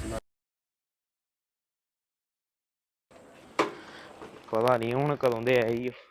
[SPEAKER 3] ਪਤਾ ਨਹੀਂ ਹੁਣ ਕਦੋਂ ਦੇ ਆਏ ਹੀ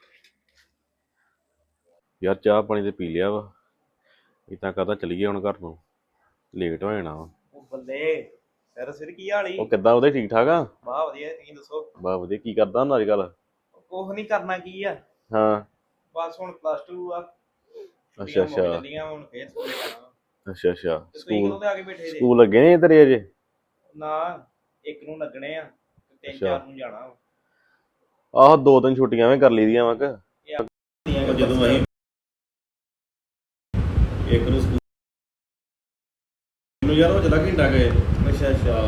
[SPEAKER 3] ਯਾਰ ਚਾਹ ਪਾਣੀ ਤੇ ਪੀ ਲਿਆ ਵਾ ਇਦਾਂ ਕਰਦਾ ਚਲੀਏ ਹੁਣ ਘਰ ਨੂੰ ਲੇਟ ਹੋ ਜਾਣਾ ਵਾ
[SPEAKER 5] ਉਹ ਬੱਲੇ ਸਰ ਸਿਰ ਕੀ ਹਾਲ ਈ?
[SPEAKER 3] ਉਹ ਕਿੱਦਾਂ ਉਹਦੇ ਠੀਕ ਠਾਕ ਆ
[SPEAKER 5] ਵਾਹ ਵਧੀਆ ਤੁਸੀਂ ਦੱਸੋ।
[SPEAKER 3] ਬਾ ਵਧੀਆ ਕੀ ਕਰਦਾ ਹੁਣ ਅੱਜ ਕੱਲ
[SPEAKER 5] ਕੁਛ ਨਹੀਂ ਕਰਨਾ ਕੀ ਆ,
[SPEAKER 3] ਹਾਂ
[SPEAKER 5] ਬਸ ਹੁਣ ਪਲੱਸ ਟੂ ਆ।
[SPEAKER 3] ਅੱਛਾ
[SPEAKER 5] ਛੁੱਟੀਆਂ ਮੁੱਕ
[SPEAKER 3] ਅੱਛਾ
[SPEAKER 5] ਚੱਲੀਆਂ ਹੁਣ ਫੇਰ ਸਕੂਲੇ ਜਾਣਾ।
[SPEAKER 3] ਅੱਛਾ ਅੱਛਾ
[SPEAKER 5] ਤੇ ਤੁਸੀਂ
[SPEAKER 3] ਸਕੂਲ
[SPEAKER 5] ਕਦੋਂ ਦੇ ਆ ਕੇ ਬੈਠੇ ਜੇ?
[SPEAKER 3] ਸਕੂਲ ਲੱਗੇ ਨੇ ਤੇਰੇ ਅਜੇ
[SPEAKER 5] ਨਾ ਇੱਕ ਨੂੰ ਲੱਗਣੇ ਆ ਤੇ ਤਿੰਨ
[SPEAKER 3] ਅੱਛਾ।
[SPEAKER 5] ਚਾਰ ਨੂੰ ਜਾਣਾ ਵਾ।
[SPEAKER 3] ਆਹੋ ਦੋ ਤਿੰਨ ਛੁੱਟੀਆਂ ਵੀ ਕਰ ਲਈਆਂ ਵਾ ਕਿ
[SPEAKER 5] ਇਹ
[SPEAKER 3] ਜਦੋਂ ਅਸੀਂ ਇੱਕ ਨੂੰ ਸਕੂਲ ਨੂੰ ਯਾਰ ਉਹ ਚਲਾ ਘੰਟਾ ਗਏ
[SPEAKER 5] ਅੱਛਾ ਅੱਛਾ